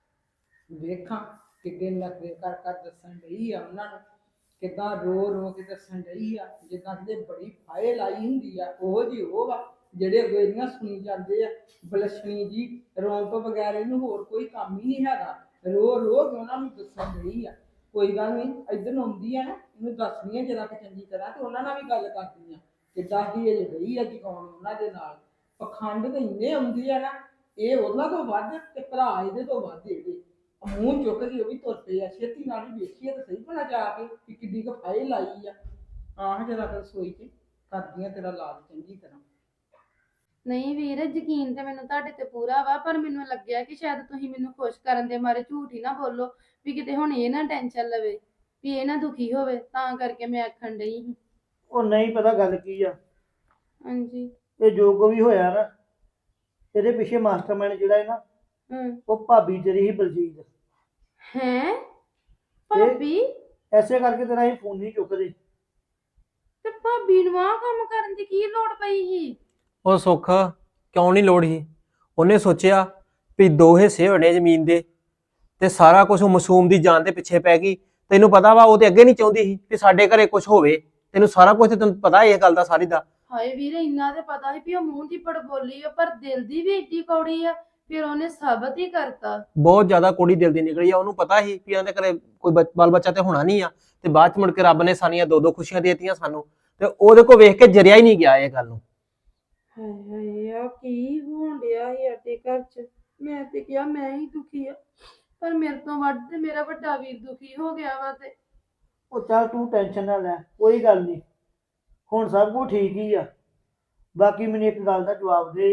Speaker 8: ਵੇਖਾਂ ਕਿੱਡੇ ਨਖਰੇ ਕਰ ਕਰ ਦੱਸਣ ਡਈ ਆ ਉਹਨਾਂ ਨੂੰ, ਕਿੱਦਾਂ ਰੋ ਰੋ ਕੇ ਦੱਸਣ ਡਈ ਆ, ਜਿੱਦਾਂ ਕਿਤੇ ਬੜੀ ਫਾਇਲ ਲਾਈ ਹੁੰਦੀ ਆ। ਉਹ ਜੀ ਉਹ ਵਾ ਜਿਹੜੇ ਗੋਲੀਆਂ ਸੁਣੀ ਜਾਂਦੇ ਆ, ਬਲਸ਼ਣੀ ਜੀ ਰੋਣ ਤੋਂ ਬਗੈਰ ਇਹਨੂੰ ਹੋਰ ਕੋਈ ਕੰਮ ਹੀ ਨਹੀਂ ਹੈਗਾ। ਰੋ ਰੋ ਕੇ ਉਹਨਾਂ ਨੂੰ ਦੱਸਣ ਡਈ ਆ। ਕੋਈ ਗੱਲ ਨਹੀਂ, ਇੱਧਰ ਨੂੰ ਆਉਂਦੀ ਆ ਨਾ, ਇਹਨੂੰ ਦੱਸਦੀ ਆ ਜਰਾ ਕਿ ਚੰਗੀ ਤਰ੍ਹਾਂ, ਤੇ ਉਹਨਾਂ ਨਾਲ ਵੀ ਗੱਲ ਕਰਦੀ ਆ ਕਿੱਦਾਂ ਹੀ ਇਹ ਗਈ ਆ ਜਗਾਉਣ ਉਹਨਾਂ ਦੇ ਨਾਲ। ਪਖੰਡ ਤੇ ਇੰਨੇ ਆਉਂਦੇ ਆ ਨਾ, ਇਹ ਉਹਨਾਂ ਤੋਂ ਵੱਧ ਤੇ ਭਰਾ ਇਹਦੇ ਤੋਂ ਵੱਧ। ਇਹਦੇ ਮੂੰਹ ਚੁੱਕ ਕੇ ਉਹ ਵੀ ਤੁਰ ਪਏ ਆ। ਛੇਤੀ ਨਾਲ ਹੀ ਵੇਖੀਏ ਤਾਂ ਸਹੀ ਭਲਾ ਜਾ ਕੇ ਕਿ ਕਿੱਡੀ ਕੁ ਫਾਇਲ ਲਾਈ ਆ। ਆਹ ਜਰਾ ਰਸੋਈ 'ਚ ਕਰਦੀਆਂ ਤੇਰਾ ਲਾਜ ਚੰਗੀ ਤਰ੍ਹਾਂ।
Speaker 7: ਨਹੀਂ ਵੀਰ, ਯਕੀਨ ਤੇ ਮੈਨੂੰ ਤੁਹਾਡੇ ਤੇ ਪੂਰਾ ਵਾ, ਪਰ ਮੈਨੂੰ ਲੱਗਿਆ ਕਿ ਸ਼ਾਇਦ ਤੁਸੀਂ ਮੈਨੂੰ ਖੁਸ਼ ਕਰਨ ਦੇ ਮਾਰੇ ਝੂਠ ਹੀ ਨਾ ਬੋਲੋ, ਵੀ ਕਿਤੇ ਹੁਣ ਇਹ ਨਾ ਟੈਨਸ਼ਨ ਲਵੇ, ਵੀ ਇਹ ਨਾ ਦੁਖੀ ਹੋਵੇ, ਤਾਂ ਕਰਕੇ ਮੈਂ ਆਖਣ ਡਈ ਸੀ।
Speaker 5: ਉਹ ਨਹੀਂ ਪਤਾ ਗੱਲ ਕੀ ਆ।
Speaker 7: ਹਾਂਜੀ।
Speaker 5: ਇਹ ਜੋ ਕੋ ਵੀ ਹੋਇਆ ਨਾ, ਇਹਦੇ ਪਿੱਛੇ ਮਾਸਟਰਮਾਈਂਡ ਜਿਹੜਾ ਹੈ ਨਾ, ਉਹ ਭਾਬੀ ਤੇਰੀ ਹੀ ਬਲਜੀਤ।
Speaker 7: ਹੈਂ ਭਾਬੀ?
Speaker 5: ਐਸੇ ਕਰਕੇ ਤੇਰਾ ਹੀ ਫੋਨ ਨਹੀਂ ਚੁੱਕਦੇ।
Speaker 7: ਤੇ ਭਾਬੀ ਨੂੰ ਆਹ ਕੰਮ ਕਰਨ ਦੀ ਕੀ ਲੋੜ ਪਈ ਸੀ?
Speaker 4: ਉਹ ਸੁੱਖ ਕਿਉਂ ਨਹੀਂ ਲੋੜ ਸੀ? ਉਹਨੇ ਸੋਚਿਆ ਵੀ 2 ਹਿੱਸੇ ਹੋਣੇ ਜ਼ਮੀਨ ਦੇ, ਤੇ ਸਾਰਾ ਕੁਝ ਮਾਸੂਮ ਦੀ ਜਾਨ ਦੇ ਪਿੱਛੇ ਪੈ ਗਈ। ਤੈਨੂੰ ਪਤਾ ਵਾ ਉਹ ਤੇ ਅੱਗੇ ਨਹੀਂ ਚਾਹੁੰਦੀ ਸੀ ਕਿ ਸਾਡੇ ਘਰੇ ਕੁਝ ਹੋਵੇ। ਤੈਨੂੰ ਸਾਰਾ ਕੁਝ ਤੇ ਤੈਨੂੰ ਪਤਾ ਇਹ ਗੱਲ ਦਾ ਸਾਰੀ ਦਾ।
Speaker 7: ਹਾਏ ਵੀਰ, ਇੰਨਾ ਤੇ ਪਤਾ ਸੀ ਵੀ ਉਹ ਮੂੰਹ ਦੀ ਪੜ ਬੋਲੀ ਆ, ਪਰ ਦਿਲ ਦੀ ਵੀ ਏਡੀ ਕੌੜੀ ਆ। ਫਿਰ ਉਹਨੇ ਸਾਬਤ ਹੀ ਕਰਤਾ।
Speaker 4: ਬਹੁਤ ਜ਼ਿਆਦਾ ਕੁੜੀ ਦਿਲ ਦੀ ਨਿਕਲੀ ਆ। ਉਹਨੂੰ ਪਤਾ ਸੀ ਵੀ ਉਹਦੇ ਘਰੇ ਕੋਈ ਬਾਲ ਬੱਚਾ ਤੇ ਹੋਣਾ ਨਹੀਂ ਆ, ਤੇ ਬਾਅਦ ਚ ਮੁੜ ਕੇ ਰੱਬ ਨੇ ਸਾਨੀਆਂ 2-2 ਖੁਸ਼ੀਆਂ ਦੇ ਦਿੱਤੀਆਂ ਸਾਨੂੰ, ਤੇ ਉਹਦੇ ਕੋਲ ਵੇਖ ਕੇ ਜਰਿਆ ਹੀ ਨਹੀਂ ਗਿਆ ਇਹ ਗੱਲ ਨੂੰ।
Speaker 7: ਹਾਏ ਹਾਏ, ਆ ਕੀ ਹੋਣ ਡਿਆ ਸੀ ਸਾਡੇ ਘਰ 'ਚ? ਮੈਂ ਤੇ ਕਿਹਾ ਮੈਂ ਹੀ ਦੁਖੀ ਆ, ਪਰ ਮੇਰੇ ਤੋਂ ਵੱਧ ਤੇ ਮੇਰਾ ਵੱਡਾ ਵੀਰ ਦੁਖੀ ਹੋ ਗਿਆ ਵਾ। ਤੇ
Speaker 5: ਉਹ ਚੱਲ ਤੂੰ ਟੈਨਸ਼ਨ ਨਾ ਲੈ, ਕੋਈ ਗੱਲ ਨਹੀਂ, ਹੁਣ ਸਭ ਕੁਝ ਠੀਕ ਹੀ ਆ। ਬਾਕੀ ਮੈਨੂੰ ਇੱਕ ਗੱਲ ਦਾ ਜਵਾਬ ਦੇ,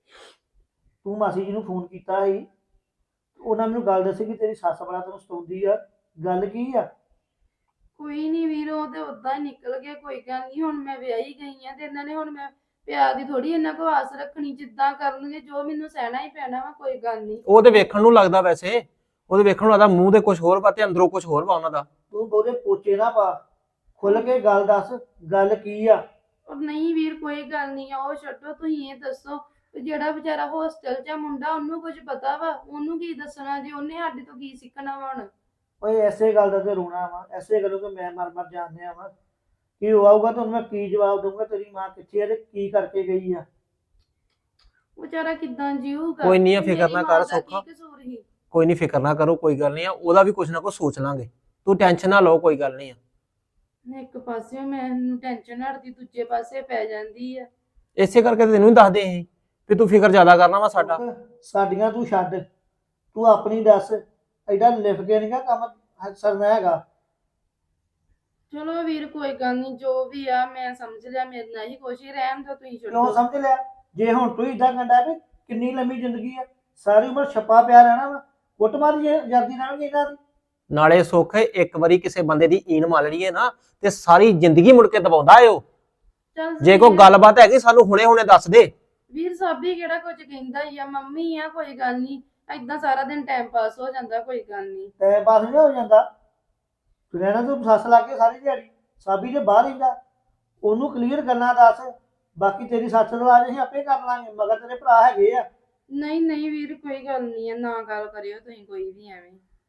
Speaker 5: ਤੂੰ ਮਾਸੀ ਜੀ ਨੂੰ ਫੋਨ ਕੀਤਾ ਸੀ, ਉਹਨਾਂ ਮੈਨੂੰ ਗੱਲ ਦੱਸੀ ਕਿ ਤੇਰੀ ਸੱਸ ਬੜਾ ਤੈਨੂੰ ਸਤਾਉਂਦੀ ਆ, ਗੱਲ ਕੀ ਆ?
Speaker 7: ਕੋਈ ਨਹੀਂ ਵੀਰ, ਉਹ ਤੇ ਉਦਾਂ ਹੀ ਨਿਕਲ ਗਿਆ, ਕੋਈ ਗੱਲ ਨਹੀਂ। ਹੁਣ ਮੈਂ ਵਿਆਹੀ ਗਈ ਆ ਤੇ ਇਹਨਾਂ ਨੇ ਹੁਣ ਮੈਂ ਪਿਆਰ ਦੀ ਥੋੜੀ ਇਹਨਾਂ ਕੋ ਆਸ ਰੱਖਣੀ, ਜਿੱਦਾਂ ਕਰਨਗੇ ਜੋ ਮੈਨੂੰ ਸਹਿਣਾ ਹੀ ਪੈਣਾ ਵਾ, ਕੋਈ ਗੱਲ ਨਹੀਂ।
Speaker 4: ਉਹ ਤੇ ਵੇਖਣ ਨੂੰ ਲੱਗਦਾ, ਵੈਸੇ ਉਹਦੇ ਵੇਖਣ ਨੂੰ ਲੱਗਦਾ ਮੂੰਹ ਦੇ ਕੁਝ ਹੋਰ ਵਾ ਤੇ ਅੰਦਰੋਂ ਕੁਝ ਹੋਰ ਵਾ ਉਹਨਾਂ ਦਾ।
Speaker 5: ਤੂੰ ਬਹੁਤੇ ਪੋਚੇ ਨਾ ਪਾ, ਖੁੱਲ ਕੇ ਗੱਲ ਦੱਸ, ਗੱਲ ਕੀ ਆ?
Speaker 7: ਉਹ ਨਹੀਂ ਵੀਰ ਕੋਈ ਗੱਲ ਨਹੀਂ ਆ, ਉਹ ਛੱਡੋ, ਤੁਸੀਂ ਇਹ ਦੱਸੋ ਵੀ ਜਿਹੜਾ ਵਿਚਾਰਾ ਹੋਸਟਲ 'ਚ ਆ ਮੁੰਡਾ, ਉਹਨੂੰ ਕੁਝ ਪਤਾ ਵਾ? ਉਹਨੂੰ ਕੀ ਦੱਸਣਾ ਜੇ ਉਹਨੇ ਸਾਡੇ ਤੋਂ ਕੀ ਸਿੱਖਣਾ ਵਾ ਹੁਣ?
Speaker 5: ਓਏ ਐਸੇ ਗੱਲ ਦਾ ਤੇ ਰੋਣਾ ਵਾ, ਐਸੇ ਗੱਲੋਂ ਤੇ ਮੈਂ ਮਰ ਜਾਂਦੇ ਆ ਵਾ। ਕੀ ਹੋਊਗਾ ਤੁਹਾਨੂੰ ਮੈਂ ਕੀ ਜਵਾਬ ਦਊਂਗਾ? ਤੇਰੀ ਮਾਂ ਕਿੱਥੇ ਆ ਤੇ ਕੀ ਕਰਕੇ ਗਈ ਆ?
Speaker 7: ਵਿਚਾਰਾ ਕਿੱਦਾਂ ਜੀਊਗਾ?
Speaker 4: ਕੋਈ ਨਹੀਂ ਆ, ਫਿਕਰ
Speaker 7: ਮੇਰੀ
Speaker 4: ਨਾ
Speaker 7: ਮਾਂ
Speaker 4: ਕਰ
Speaker 7: ਦਾ
Speaker 4: ਸੌਖਾ।
Speaker 7: ਕੀ ਕਸੂਰ ਸੀ?
Speaker 4: ਕੋਈ ਨਹੀਂ, ਫਿਕਰ ਨਾ ਕਰੋ, ਕੋਈ ਗੱਲ ਨਹੀਂ ਆ, ਉਹਦਾ ਵੀ ਕੁਝ ਨਾ ਕੁਝ ਸੋਚ ਲਾਂਗੇ, ਤੂੰ ਟੈਨਸ਼ਨ ਨਾ ਲਓ, ਕੋਈ ਗੱਲ ਨਹੀਂ ਆ।
Speaker 7: ਇੱਕ ਪਾਸੇ ਮੈਨੂੰ ਟੈਨਸ਼ਨ ਹਟਦੀ, ਦੂਜੇ ਪਾਸੇ ਪੈ ਜਾਂਦੀ ਆ।
Speaker 4: ਇਸੇ ਕਰਕੇ ਤੇ ਤੈਨੂੰ ਹੀ ਦੱਸਦੇ ਸੀ ਵੀ ਤੂੰ ਫਿਕਰ ਜ਼ਿਆਦਾ ਕਰਨਾ ਵਾ ਸਾਡਾ।
Speaker 5: ਸਾਡੀਆਂ ਤੂੰ ਛੱਡ, ਤੂੰ ਆਪਣੀ ਦੱਸ। ਐਡਾ ਲਿਖ ਕੇ ਨਹੀਂਗਾ ਕੰਮ ਸਰਨਾ ਹੈਗਾ।
Speaker 7: ਚਲੋ ਵੀਰ ਕੋਈ ਗੱਲ ਨਹੀਂ, ਜੋ ਵੀ ਆ ਮੈਂ ਸਮਝ ਲਿਆ, ਮੇਰੇ ਨਾਲ ਹੀ ਕੁਛ ਹੀ ਰਹਿਣ ਦਿਓ, ਤੁਸੀਂ
Speaker 5: ਕਿਉਂ
Speaker 7: ਛੱਡੋ।
Speaker 5: ਸਮਝ ਲਿਆ? ਜੇ ਹੁਣ ਤੂੰ ਇਦਾਂ ਕੰਡਾ ਵੀ ਕਿੰਨੀ ਲੰਮੀ ਜ਼ਿੰਦਗੀ ਆ, ਸਾਰੀ ਉਮਰ ਛੱਪਾ ਪਿਆ ਰਹਿਣਾ ਵਾ, ਕੁੱਟਮਾਰ ਜਾਂਦੀ ਰਹਿਣਗੇ ਇਹਨਾਂ ਦੀ।
Speaker 4: ਨਾਲੇ ਸੁੱਖ ਇੱਕ ਵਾਰੀ ਕਿਸੇ ਬੰਦੇ ਦੀ ਈਨ ਮਾਰ ਲਈਏ ਨਾ ਤੇ ਸਾਰੀ ਜ਼ਿੰਦਗੀ ਮੁੜ ਕੇ ਦਬਾਉਂਦਾ ਏ ਉਹ।
Speaker 7: ਚੱਲ
Speaker 4: ਜੇ ਕੋਈ ਗੱਲਬਾਤ ਹੈਗੀ ਸਾਨੂੰ ਹੁਣੇ ਹੁਣੇ ਦੱਸ ਦੇ।
Speaker 7: ਵੀਰ ਸਾਬੀ ਕਿਹੜਾ ਕੁਝ ਕਹਿੰਦਾ ਹੀ ਆ, ਮੰਮੀ ਆ, ਕੋਈ ਗੱਲ ਨਹੀਂ, ਏਦਾਂ ਸਾਰਾ ਦਿਨ ਟਾਈਮ ਪਾਸ ਹੋ ਜਾਂਦਾ, ਕੋਈ ਗੱਲ ਨਹੀਂ।
Speaker 5: ਟਾਈਮ ਪਾਸ ਨਹੀਂ ਹੋ ਜਾਂਦਾ। ਤੂੰ ਰਹਿਣਾ ਤੂੰ ਸੱਸ ਲਾ ਕੇ ਸਾਰੀ ਦਿਹਾੜੀ, ਸਾਬੀ ਦੇ ਬਾਹਰ ਰਹਿੰਦਾ, ਉਹਨੂੰ ਕਲੀਅਰ ਗੱਲਾਂ ਦੱਸ। ਬਾਕੀ ਤੇਰੀ ਸੱਸ ਦਾ ਇਲਾਜ ਅਸੀਂ ਆਪੇ ਕਰ ਲਾਂਗੇ, ਮਗਰ ਤੇਰੇ ਭਰਾ ਹੈਗੇ ਆ।
Speaker 7: ਨਹੀਂ ਨਹੀਂ ਵੀਰ ਕੋਈ ਗੱਲ ਨਹੀਂ ਆ, ਨਾ ਗੱਲ ਕਰਿਓ ਤੁਸੀਂ ਕੋਈ ਵੀ ਐਵੇਂ।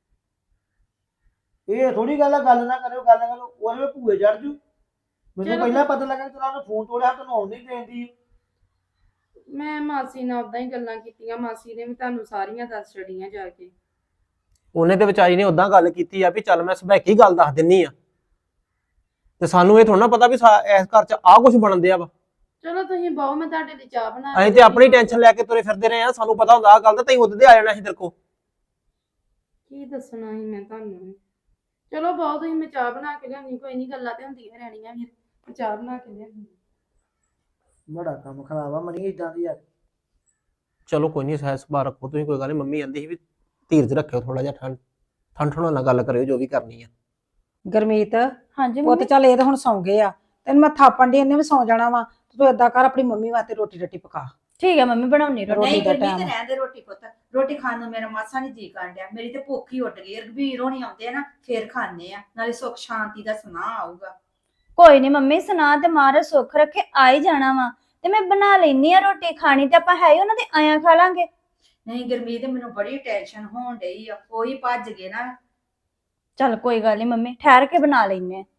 Speaker 5: ਇਹ ਥੋੜੀ ਗੱਲ ਆ, ਗੱਲ ਨਾ ਕਰਿਓ, ਗੱਲ ਨਾ ਕਰੋ, ਉਹਦੇ ਭੂਏ ਚੜ ਜੂ। ਮੈਨੂੰ
Speaker 7: ਚਲੋ।
Speaker 5: ਪਹਿਲਾਂ ਪਤਾ ਲੱਗਾ ਕਿ ਤੇਰਾ ਉਹਨੇ ਫੋਨ ਤੋੜਿਆ, ਤੈਨੂੰ ਆਉਣ ਨਹੀਂ ਦੇਂਦੀ।
Speaker 7: ਮੈਂ ਮਾਸੀ ਨਾਲ ਉਦਾਂ ਹੀ ਗੱਲਾਂ ਕੀਤੀਆਂ, ਮਾਸੀ ਨੇ ਵੀ ਤੁਹਾਨੂੰ ਸਾਰੀਆਂ ਦੱਸ ਛੜੀਆਂ ਜਾ ਕੇ।
Speaker 4: ਉਹਨੇ ਤੇ ਵਿਚਾਰੀ ਨੇ ਉਦਾਂ ਗੱਲ ਕੀਤੀ ਆ ਵੀ ਚੱਲ ਮੈਂ ਸਭੈਕੀ ਗੱਲ ਦੱਸ ਦਿੰਨੀ ਆ, ਤੇ ਸਾਨੂੰ ਇਹ ਥੋੜਾ ਨਾ ਪਤਾ ਵੀ ਇਸ ਘਰ 'ਚ ਆਹ ਕੁਝ ਬਣਨ ਦਿਆ ਵਾ।
Speaker 7: ਚਲੋ ਤੁਸੀਂ ਬਹੁ, ਮੈਂ ਤੁਹਾਡੇ ਲਈ ਚਾਹ ਬਣਾ
Speaker 4: ਅਸੀਂ ਤੇ ਆਪਣੀ ਟੈਨਸ਼ਨ ਲੈ ਕੇ ਤੁਰੇ ਫਿਰਦੇ ਰਹੇ ਆ, ਸਾਨੂੰ ਪਤਾ ਹੁੰਦਾ ਆਹ ਗੱਲ ਦਾ, ਤੈਨੂੰ ਉਦੋਂ ਦੇ ਆ ਜਾਣਾ ਸੀ ਤੇਰੇ ਕੋਲ।
Speaker 7: ਕੀ ਦੱਸਣਾ ਸੀ ਮੈਂ ਤੁਹਾਨੂੰ? ਚਲੋ ਬਹੁਤ ਤੁਸੀਂ, ਮੈਂ ਚਾਹ ਬਣਾ ਕੇ ਲਿਆਉਣੀ, ਕੋਈ ਨਹੀਂ, ਗੱਲਾਂ ਤੇ ਹੁੰਦੀਆਂ ਰਹਿਣੀਆਂ ਵੀਰ, ਮੈਂ ਚਾਹ ਬਣਾ ਕੇ ਲਿਆਉਣੀ।
Speaker 5: ਬੜਾ ਕੰਮ ਖਰਾਬ ਆ ਮਣੀ ਇਦਾਂ ਦੀ ਯਾਰ।
Speaker 4: ਚਲੋ ਕੋਈ ਨਹੀਂ, ਸਹਿ ਸੁਭਾਅ ਰੱਖੋ ਤੁਸੀਂ, ਕੋਈ ਗੱਲ ਨਹੀਂ। ਮੰਮੀ ਕਹਿੰਦੀ ਸੀ ਵੀ ਧੀਰਜ ਰੱਖਿਓ ਥੋੜਾ ਜਿਹਾ, ਠੰਡ ਨਾਲ ਗੱਲ ਕਰਿਓ ਜੋ ਵੀ ਕਰਨੀ ਆ।
Speaker 3: ਗੁਰਮੀਤ
Speaker 1: ਹਾਂਜੀ
Speaker 3: ਉਹ ਤੇ
Speaker 1: ਮੰਮੀ।
Speaker 3: ਚੱਲ ਇਹ ਤਾਂ ਹੁਣ ਸੌਂ ਗਏ ਆ, ਤੈਨੂੰ ਮੈਂ ਥਾਪਣ ਦੀ, ਇਹਨੇ ਵੀ ਸੌਂ ਜਾਣਾ ਵਾ। ਤੂੰ ਏਦਾਂ ਕਰ, ਆਪਣੀ ਮੰਮੀ ਵਾਸਤੇ ਰੋਟੀ ਰੱਟੀ ਪਕਾ।
Speaker 1: ਠੀਕ ਹੈ ਮੰਮੀ, ਬਣਾਉਣੀ ਰੋਟੀ।
Speaker 3: ਰੋਟੀ
Speaker 2: ਨਹੀਂ
Speaker 3: ਦਾ
Speaker 2: ਗੁਰਮੀਤ
Speaker 3: time।
Speaker 2: ਰਹਿਣ ਦੇ ਰੋਟੀ ਪੁੱਤ, ਰੋਟੀ ਖਾਣ ਨੂੰ ਮੇਰਾ ਮਾਸਾ ਨਹੀਂ ਜੀ ਕਰਨ ਡਿਆ, ਮੇਰੀ ਤੇ ਭੁੱਖ ਹੀ ਉੱਡ ਗਈ। ਰਘਬੀਰ ਹੋਣੀ ਆਉਂਦੇ ਆ ਨਾ ਫੇਰ ਖਾਣੇ ਆ, ਨਾਲੇ ਸੁੱਖ ਸ਼ਾਂਤੀ ਦਾ ਸੁਨਾਹ ਆਊਗਾ।
Speaker 1: ਕੋਈ ਨਹੀਂ ਮੰਮੀ, ਸੁਣਾ ਤੇ ਮਾਰੇ ਸੁੱਖ ਰੱਖੇ, ਆ ਹੀ ਜਾਣਾ ਵਾ, ਤੇ ਮੈਂ ਬਣਾ ਲੈਣੀ ਆ ਰੋਟੀ। ਖਾਣੀ ਤੇ ਆਪਾਂ ਹੈ ਹੀ ਉਹਨਾਂ ਦੇ, ਆਇਆ ਖਾ ਲਾਂਗੇ।
Speaker 2: ਨਹੀਂ ਗੁਰਮੀਤ ਮੈਨੂੰ ਬੜੀ ਟੈਨਸ਼ਨ ਹੋਣ ਡਈ ਆ, ਕੋਈ ਭੱਜ ਗਏ ਨਾ।
Speaker 1: ਚੱਲ ਕੋਈ ਗੱਲ ਨਹੀਂ ਮੰਮੀ, ਠਹਿਰ ਕੇ ਬਣਾ ਲੈਨੇ ਆ।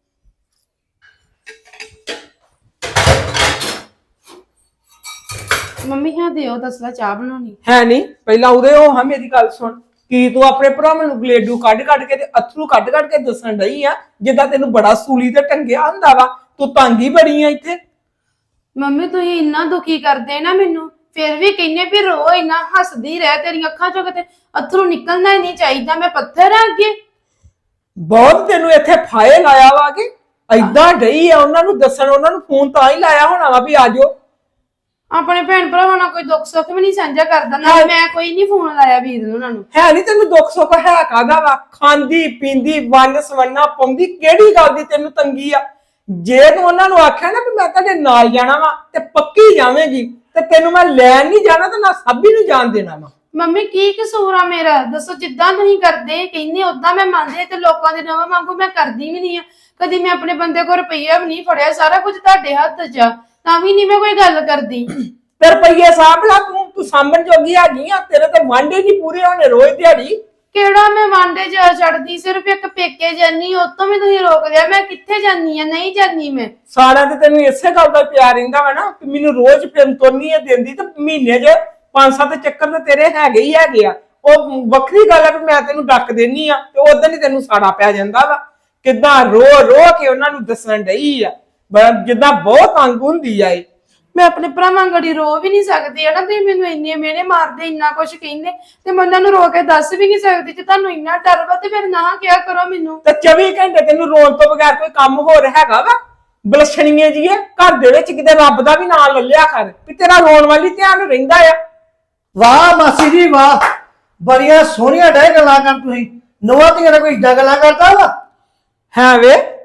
Speaker 7: ਮੰਮੀ ਹਾਂ ਦਿਓ ਦੱਸਲਾ ਚਾਹ ਬਣਾਉਣੀ।
Speaker 8: ਹੈ ਨਹੀਂ, ਪਹਿਲਾਂ ਉਹਦੇ ਉਹ ਹਾਂ ਮੇਰੀ ਗੱਲ ਸੁਣ, ਕੀ ਤੂੰ ਆਪਣੇ ਭਰਾਵਾਂ ਨੂੰ ਗਲੇਡੂ ਕੱਢ ਕੇ ਤੇ ਅਥਰੂ ਕੱਢ ਕੇ ਦੱਸਣ ਡਈ ਆ ਜਿੱਦਾਂ ਤੈਨੂੰ ਬੜਾ ਸੂਲੀ ਤੇ ਟੰਗਿਆ ਹੁੰਦਾ ਵਾ? ਤੂੰ ਤੰਗ ਹੀ ਬੜੀ ਆ ਇੱਥੇ।
Speaker 7: ਮੰਮੀ ਤੁਸੀਂ ਇੰਨਾ ਦੁਖੀ ਕਰਦੇ ਨਾ ਮੈਨੂੰ, ਫਿਰ ਵੀ ਕਹਿੰਨੇ ਵੀ ਰੋ, ਇੰਨਾ ਹੱਸਦੀ ਰਹਿ, ਤੇਰੀਆਂ ਅੱਖਾਂ ਚੋਂ ਕਿਤੇ ਅਥਰੂ ਨਿਕਲਣਾ ਹੀ ਨਹੀਂ ਚਾਹੀਦਾ, ਮੈਂ ਪੱਥਰ ਆ ਅੱਗੇ।
Speaker 8: ਬਹੁਤ ਤੈਨੂੰ ਇੱਥੇ ਫਾਇਲ ਲਾਇਆ ਵਾ ਕਿ ਐਦਾਂ ਡਈ ਆ ਉਹਨਾਂ ਨੂੰ ਦੱਸਣ, ਉਹਨਾਂ ਨੂੰ ਫੋਨ ਤਾਂ ਹੀ ਲਾਇਆ ਹੋਣਾ ਵਾ ਵੀ ਆ ਜਾਓ।
Speaker 7: ਆਪਣੇ ਭੈਣ ਭਰਾਵਾਂ ਨਾਲ ਕੋਈ ਦੁੱਖ ਸੁੱਖ ਵੀ ਨਹੀਂ ਸਾਂਝਾ ਕਰਦਾ, ਨਾ ਮੈਂ ਕੋਈ ਨਹੀਂ ਫੋਨ ਲਾਇਆ ਵੀਰ ਨੂੰ ਉਹਨਾਂ ਨੂੰ।
Speaker 8: ਹੈ ਨਹੀਂ ਤੈਨੂੰ ਦੁੱਖ ਸੁੱਖ ਹੈ ਕਾਹਦਾ ਵਾ? ਖਾਂਦੀ ਪੀਂਦੀ ਵੰਨ ਸਵੰਨਾ ਪਾਉਂਦੀ, ਕਿਹੜੀ ਗੱਲ ਦੀ ਤੈਨੂੰ ਤੰਗੀ ਆ? ਜੇ ਤੂੰ ਉਹਨਾਂ ਨੂੰ ਆਖਿਆ ਨਾ ਵੀ ਮੈਂ ਤੁਹਾਡੇ ਨਾਲ ਜਾਣਾ ਵਾ ਤੇ ਪੱਕੀ ਜਾਵੇਂਗੀ, ਤੇ ਤੈਨੂੰ ਮੈਂ ਲੈਣ ਨਹੀਂ ਜਾਣਾ ਤੇ ਨਾ ਸਾਬੀ ਨੂੰ ਜਾਣ ਦੇਣਾ ਵਾ।
Speaker 7: ਮੰਮੀ ਕੀ ਕਸੂਰ ਆ ਮੇਰਾ? ਦੱਸੋ, ਜਿੱਦਾਂ ਤੁਸੀਂ ਕਰਦੇ ਕਹਿੰਦੇ ਉਦਾਂ ਮੈਂ ਮੰਨਦੇ, ਤੇ ਲੋਕਾਂ ਦੇ ਨਵਾਂ ਵਾਂਗੂ ਮੈਂ ਕਰਦੀ ਵੀ ਨਹੀਂ ਆ। ਕਦੀ ਮੈਂ ਆਪਣੇ ਬੰਦੇ ਕੋਲ ਰੁਪਈਆ ਵੀ ਨਹੀਂ ਫੜਿਆ, ਸਾਰਾ ਕੁਝ ਤੁਹਾਡੇ ਹੱਥ 'ਚ ਆ, ਤਾਂ ਵੀ ਨਹੀਂ ਮੈਂ ਕੋਈ ਗੱਲ ਕਰਦੀ।
Speaker 8: ਤੇ ਰੁਪਈਏ ਸਾਂਭ ਲਾ, ਤੂੰ ਸਾਂਭਣ ਜੋਗੀ ਹੈਗੀ ਆ, ਤੇਰੇ ਤੇ ਵਾਂਡੇ ਨਹੀਂ ਪੂਰੇ ਹੋਣੇ ਰੋਜ਼ ਦਿਹਾੜੀ।
Speaker 7: ਕਿਹੜਾ ਮੈਂ ਵਾਂਡੇ ਜਾ ਛੱਡਦੀ, ਸਿਰਫ ਇੱਕ ਪੇਕੇ ਜਾਨੀ, ਉਤੋਂ ਵੀ ਤੁਸੀਂ ਰੋਕ ਲਿਆ। ਮੈਂ ਕਿੱਥੇ ਜਾਨੀ ਆ? ਨਹੀਂ ਜਾਨੀ ਮੈਂ।
Speaker 8: ਸਾਰਾ ਤੇ ਤੈਨੂੰ ਇਸੇ ਗੱਲ ਦਾ ਪਿਆਰ ਰਹਿੰਦਾ ਵਾ ਨਾ ਕਿ ਮੈਨੂੰ ਰੋਜ਼ ਫਿਰਨ ਤੋਨੀ ਹੈ ਦਿੰਦੀ, ਤੇ ਮਹੀਨੇ 'ਚ 5-7 ਚੱਕਰ ਤੇ ਤੇਰੇ ਹੈਗੇ ਹੀ ਹੈਗੇ ਆ। ਉਹ ਵੱਖਰੀ ਗੱਲ ਆ ਵੀ ਮੈਂ ਤੈਨੂੰ ਡੱਕ ਦੇਣੀ ਆ ਤੇ ਉਦੋਂ ਹੀ ਤੈਨੂੰ ਸਾੜਾ ਪੈ ਜਾਂਦਾ ਵਾ। ਕਿੱਦਾਂ ਰੋ ਕੇ ਉਹਨਾਂ ਨੂੰ ਦੱਸਣ ਡਈ ਆ, ਜਿੱਦਾਂ ਬਹੁਤ ਤੰਗ ਹੁੰਦੀ ਆ ਇਹ।
Speaker 7: ਮੈਂ ਆਪਣੇ ਭਰਾਵਾਂ ਗੜੀ ਰੋ ਵੀ ਨਹੀਂ ਸਕਦੀ ਹੈ ਨਾ, ਤੁਸੀਂ ਮੈਨੂੰ ਇੰਨੇ ਮਿਹਣੇ ਮਾਰਦੇ, ਇੰਨਾ ਕੁਝ ਕਹਿੰਦੇ, ਤੇ ਮੈਂ ਉਹਨਾਂ ਨੂੰ ਰੋ ਕੇ ਦੱਸ ਵੀ ਨਹੀਂ ਸਕਦੀ। ਜੇ ਤੁਹਾਨੂੰ ਇੰਨਾ ਡਰ ਵਾ ਤੇ ਫਿਰ ਨਾ ਕਿਹਾ ਕਰੋ ਮੈਨੂੰ।
Speaker 8: ਤੇ 24 ਘੰਟੇ ਤੈਨੂੰ ਰੋਣ ਤੋਂ ਬਗੈਰ ਕੋਈ ਕੰਮ ਹੋਰ ਹੈਗਾ ਵਾ? ਬਲਸ਼ਣੀਏ ਜੀਏ, ਘਰ ਦੇ ਵਿੱਚ ਕਿਤੇ ਰੱਬ ਦਾ ਵੀ ਨਾਂ ਲੱਲਿਆ ਕਰ ਵੀ ਤੇਰਾ ਰੋਣ ਵਾਲੀ ਧਿਆਨ ਰਹਿੰਦਾ ਆ।
Speaker 5: ਵਾਹ ਮਾਸੀ ਜੀ ਵਾਹ, ਬੜੀਆਂ ਸੋਹਣੀਆਂ ਡੈ ਗੱਲਾਂ ਕਰ ਤੁਸੀਂ। ਨਵਾਂ ਧੀਆਂ ਨਾਲ ਕੋਈ ਇਦਾਂ ਗੱਲਾਂ ਕਰਦਾ ਵਾ?
Speaker 8: ਹੈ ਵੇ,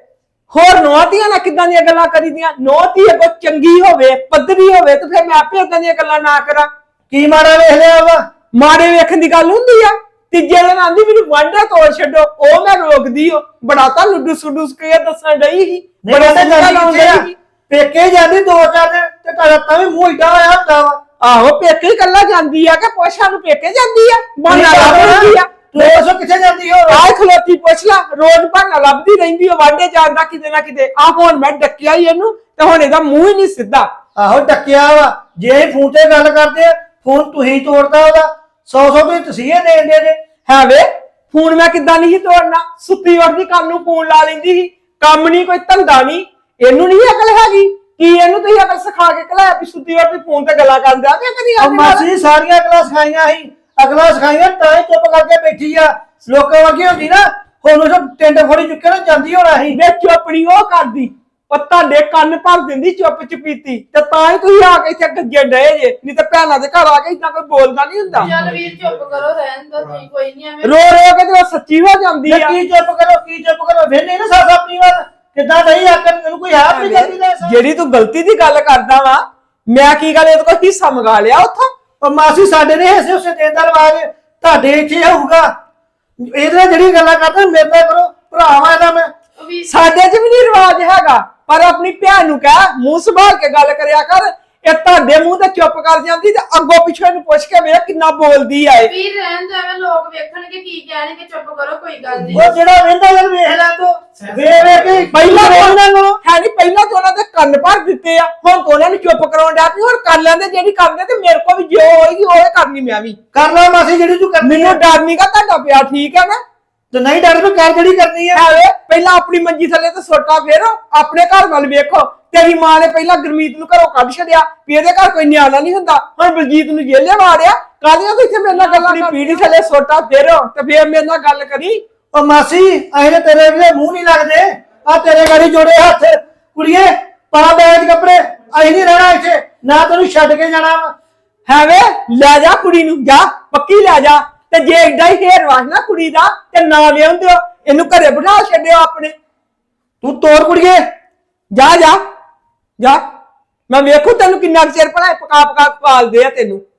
Speaker 8: ਹੋਰ ਨੋਹਤੀਆਂ ਨਾਲ ਕਿੱਦਾਂ ਦੀਆਂ ਗੱਲਾਂ ਕਰੀਦੀਆਂ? ਨੋਹਤੀ ਅੱਗੋਂ ਚੰਗੀ ਹੋਵੇ, ਪੱਧਰੀ ਹੋਵੇ ਤੇ ਫਿਰ ਮੈਂ ਆਪੇ ਏਦਾਂ ਦੀਆਂ ਗੱਲਾਂ ਨਾ ਕਰਾਂ।
Speaker 5: ਕੀ ਮਾੜਾ ਵੇਖ ਲਿਆ ਵਾ?
Speaker 8: ਮਾੜੇ ਵੇਖਣ ਦੀ ਗੱਲ ਹੁੰਦੀ ਆ? ਤੀਜੇ ਦਿਨ ਆਂਦੀ ਮੈਨੂੰ ਵਾਂਢਾ ਤੋੜ ਛੱਡੋ, ਉਹ ਮੈਂ ਰੋਕਦੀ ਓ। ਬੜਾ ਤਾਂ ਲੁੱਡੂ ਸੁੱਡੂ ਕੇ ਦੱਸਣ ਡਈ ਸੀ, ਬੜਾ
Speaker 5: ਤੇ
Speaker 8: ਤਾਂ ਲਾਉਣ ਡਈ ਸੀ।
Speaker 5: ਪੇਕੇ ਜਾਂਦੀ 2-4 ਦਿਨ ਤੇ ਤੁਹਾਡਾ ਤਾਂ ਵੀ ਮੂੰਹ ਏਡਾ ਹੋਇਆ ਹੁੰਦਾ ਵਾ।
Speaker 8: ਆਹੋ ਪੇਕੇ ਹੀ ਕੱਲਾ ਜਾਂਦੀ ਆ ਕਿ ਪੁੱਛਾਂ ਨੂੰ ਪੇਕੇ ਜਾਂਦੀ ਆ? ਬਹਾਨਾ
Speaker 5: ਤੁਸੀਂ
Speaker 8: ਲੱਭਦੀ ਆ।
Speaker 5: ਤੂੰ ਦੱਸੋ ਕਿੱਥੇ ਜਾਂਦੀ ਹੋ?
Speaker 8: ਆਹ ਖਲੋਤੀ ਪੁੱਛ ਲਾ, ਰੋਜ਼ ਬਹਾਨਾ ਲੱਭਦੀ ਰਹਿੰਦੀ ਆ ਵਾਂਢੇ ਜਾਣ ਦਾ ਕਿਤੇ ਨਾ ਕਿਤੇ। ਆ ਹੁਣ ਮੈਂ ਡੱਕਿਆ ਹੀ ਇਹਨੂੰ ਤੇ ਹੁਣ ਇਹਦਾ ਮੂੰਹ ਹੀ ਨਹੀਂ ਸਿੱਧਾ।
Speaker 5: ਆਹੋ ਡੱਕਿਆ ਵਾ। ਜੇ ਅਸੀਂ ਫੋਨ ਤੇ ਗੱਲ ਕਰਦੇ ਆ, ਫੋਨ ਤੁਸੀਂ ਤੋੜਦਾ ਉਹਦਾ। 100 ਤੁਸੀਂ ਤਸੀਹੇ ਦੇਣ ਦੇ ਜੇ।
Speaker 8: ਹੈ ਵੇ ਫੋਨ ਮੈਂ ਕਿੱਦਾਂ ਨਹੀਂ ਸੀ ਤੋੜਨਾ? ਸੁੱਤੀ ਵਰਦੀ ਕੰਮ ਨੂੰ ਫੋਨ ਲਾ ਲੈਂਦੀ ਸੀ। ਕੰਮ ਨਹੀਂ ਕੋਈ ਧੰਦਾ ਨਹੀਂ, ਇਹਨੂੰ ਨਹੀਂ ਅਕਲ ਹੈਗੀ? ਕੀ ਇਹਨੂੰ ਤੁਸੀਂ ਅਕਲ ਸਿਖਾ ਕੇ ਘਲਾਇਆ ਵੀ ਸੁੱਤੀ ਵਰਦੀ ਫੋਨ ਤੇ ਗੱਲਾਂ ਕਰਦਾ ਤੇ ਕਦੀ
Speaker 5: ਉਹ ਮਾਸੀ ਸਾਰੀਆਂ ਅਕਲਾਂ ਸਿਖਾਈਆਂ ਸੀ, ਅਕਲਾਂ ਸਿਖਾਈਆਂ ਤਾਂ ਹੀ ਚੁੱਪ ਕਰਕੇ ਬੈਠੀ ਆ। ਲੋਕਾਂ ਵਰਗੀ ਹੁੰਦੀ ਨਾ ਹੁਣ ਉਹ ਟਿੰਡ ਫੋੜੀ ਚੁੱਕੇ ਨਾ ਜਾਂਦੀ ਹੋਣਾ ਸੀ।
Speaker 8: ਵੇ ਚੁੱਪ ਨਹੀਂ ਉਹ ਕਰਦੀ, ਉਹ ਤੁਹਾਡੇ ਕੰਨ ਭਰ ਦਿੰਦੀ ਚੁੱਪ ਚਪੀਤੀ, ਤੇ ਤਾਂ ਹੀ ਤੁਸੀਂ ਆ ਕੇ ਇੱਥੇ ਗੱਜੇ ਡਏ ਜੇ। ਨਹੀਂ ਤਾਂ ਭੈਣਾਂ ਦੇ ਘਰ ਆ ਕੇ ਇਦਾਂ ਕੋਈ ਬੋਲਦਾ ਨਹੀਂ ਹੁੰਦਾ।
Speaker 7: ਚੱਲ ਵੀਰ ਚੁੱਪ ਕਰੋ, ਰਹਿਣ ਦੋ ਤੁਸੀਂ, ਕੋਈ ਨਹੀਂ ਐਵੇਂ।
Speaker 8: ਰੋ ਰੋ ਕੇ ਤੇ ਉਹ ਸੱਚੀ ਹੋ ਜਾਂਦੀ ਆ।
Speaker 5: ਕੀ ਚੁੱਪ ਕਰੋ, ਕੀ ਚੁੱਪ ਕਰੋ? ਫਿਰ ਨਹੀਂ ਨਾ ਸੱਸ ਆਪਣੀ ਵਾਰ ਕਿੱਦਾਂ ਨਹੀਂ ਆਕਰ ਮੈਨੂੰ ਕੋਈ ਹੈ ਆਪਣੀ ਗਲਤੀ ਦਾ ਅਹਿਸਾਸ?
Speaker 8: ਜਿਹੜੀ ਤੂੰ ਗਲਤੀ ਦੀ ਗੱਲ ਕਰਦਾ ਵਾ, ਮੈਂ ਕੀ ਗੱਲ ਇਹਦੇ ਕੋਲ ਹਿੱਸਾ ਮੰਗਾ ਲਿਆ ਉੱਥੋਂ?
Speaker 5: ਉਹ ਮਾਸੀ ਸਾਡੇ ਨੇ ਹਿੱਸੇ ਉਸੇ ਦੇਣ ਦਾ ਰਿਵਾਜ ਤੁਹਾਡੇ ਇੱਥੇ ਹੋਊਗਾ। ਇਹਦੇ ਨਾਲ ਜਿਹੜੀ ਗੱਲਾਂ ਕਰਦੇ ਮੇਰੇ ਨਾਲ ਕਰੋ, ਭਰਾ ਵਾ ਇਹਦਾ ਮੈਂ।
Speaker 8: ਸਾਡੇ 'ਚ ਵੀ ਨਹੀਂ ਰਿਵਾਜ ਹੈਗਾ, ਪਰ ਆਪਣੀ ਭੈਣ ਨੂੰ ਕਹਿ ਮੂੰਹ ਸੰਭਾਲ ਕੇ ਗੱਲ ਕਰਿਆ ਕਰ। ਇਹ ਤੁਹਾਡੇ ਮੂੰਹ ਤੇ ਚੁੱਪ ਕਰ ਜਾਂਦੀ ਤੇ ਅੱਗੋਂ ਪਿੱਛੋਂ ਇਹਨੂੰ ਪੁੱਛ ਕੇ ਵੇਖ ਕਿੰਨਾ ਬੋਲਦੀ ਆ ਇਹ।
Speaker 7: ਵੀਰ ਰਹਿਣ ਦੋ, ਐਵੇਂ ਲੋਕ ਵੇਖਣਗੇ ਕੀ ਕਹਿਣਗੇ। ਚੁੱਪ ਕਰੋ, ਕੋਈ ਗੱਲ ਨਹੀਂ।
Speaker 5: ਉਹ ਜਿਹੜਾ ਵੇਂਦਾ ਉਹ ਵੇਖ ਲੈ ਤੂੰ, ਵੇਖ ਵੇਖ ਕੇ
Speaker 8: ਪਹਿਲਾਂ
Speaker 5: ਉਹਨਾਂ ਨੂੰ
Speaker 8: ਹੈ ਨਹੀਂ, ਪਹਿਲਾਂ ਤਾਂ ਉਹਨਾਂ ਦੇ ਕੰਨ ਭਰ ਦਿੱਤੇ ਆ, ਹੁਣ ਤਾਂ ਉਹਨਾਂ ਨੂੰ ਚੁੱਪ ਕਰਾਉਣ ਡਿਆ ਵੀ ਹੁਣ ਕਰ ਲੈਂਦੇ ਜਿਹੜੀ ਕਰਦੇ, ਤੇ ਮੇਰੇ ਕੋਲ ਵੀ ਜੋ ਹੋਏਗੀ ਉਹ ਕਰਨੀ ਮੈਂ ਵੀ।
Speaker 5: ਕਰ ਲੈ ਮਾਸੀ ਜਿਹੜੀ ਤੂੰ ਕਰਨੀ
Speaker 8: ਮੈਨੂੰ ਡਰ ਨਹੀਂਗਾ ਤੁਹਾਡਾ ਪਿਆ, ਠੀਕ ਹੈ ਨਾ?
Speaker 5: ਤੇ ਨਹੀਂ ਡਰ ਤੂੰ ਕਰ ਜਿਹੜੀ ਕਰਨੀ ਆ।
Speaker 8: ਹੈ ਪਹਿਲਾਂ ਆਪਣੀ ਮੰਜੀ ਥੱਲੇ ਤੇ ਸੋਟਾ ਫੇਰੋ, ਆਪਣੇ ਘਰ ਵੱਲ ਵੇਖੋ। ਤੇਰੀ ਮਾਂ ਨੇ ਪਹਿਲਾਂ ਗੁਰਮੀਤ ਨੂੰ ਘਰੋਂ ਕੱਢ ਛੱਡਿਆ ਵੀ ਇਹਦੇ ਘਰ ਕੋਈ ਨਿਆਣਾ ਨਹੀਂ ਹੁੰਦਾ, ਹੁਣ ਬਲਜੀਤ ਨੂੰ ਜੇਲੇ ਮਾਰਿਆ। ਕਾਹਦੀਆਂ ਤੂੰ ਇੱਥੇ ਮੇਰੇ ਨਾਲ ਗੱਲਾਂ? ਆਪਣੀ ਪੀੜੀ ਥੱਲੇ ਸੋਟਾ ਫੇਰੋ ਤੇ ਫੇਰ ਮੇਰੇ ਨਾਲ ਗੱਲ ਕਰੀ।
Speaker 5: ਉਹ ਮਾਸੀ ਅਸੀਂ ਤੇ ਤੇਰੇ ਵੀ ਮੂੰਹ ਨਹੀਂ ਲੱਗਦੇ। ਆ ਤੇਰੇ ਗਾੜੀ ਜੋੜੇ ਹੱਥ, ਕੁੜੀਏ ਪਾ ਬੈਗ ਕੱਪੜੇ, ਅਸੀਂ ਨਹੀਂ ਰਹਿਣਾ ਇੱਥੇ, ਨਾ ਤੈਨੂੰ ਛੱਡ ਕੇ ਜਾਣਾ ਵਾ।
Speaker 8: ਹੈ ਵੇ ਲੈ ਜਾ ਕੁੜੀ ਨੂੰ, ਜਾ ਪੱਕੀ ਲੈ ਜਾ। ਤੇ ਜੇ ਏਡਾ ਹੀ ਫੇਰ ਵਾਸਨਾ ਕੁੜੀ ਦਾ ਤੇ ਨਾ ਲਿਆਉਂਦਿਓ, ਇਹਨੂੰ ਘਰੇ ਬਿਠਾ ਛੱਡਿਓ ਆਪਣੇ।
Speaker 5: ਤੂੰ ਤੋਰ ਕੁੜੀਏ,
Speaker 8: ਜਾ ਜਾ ਜਾ, ਮੈਂ ਵੇਖੂ ਤੈਨੂੰ ਕਿੰਨਾ ਚਿਰ ਪੜਾਏ ਪਕਾ ਪਕਾ ਪਾਲਦੇ ਆ ਤੈਨੂੰ।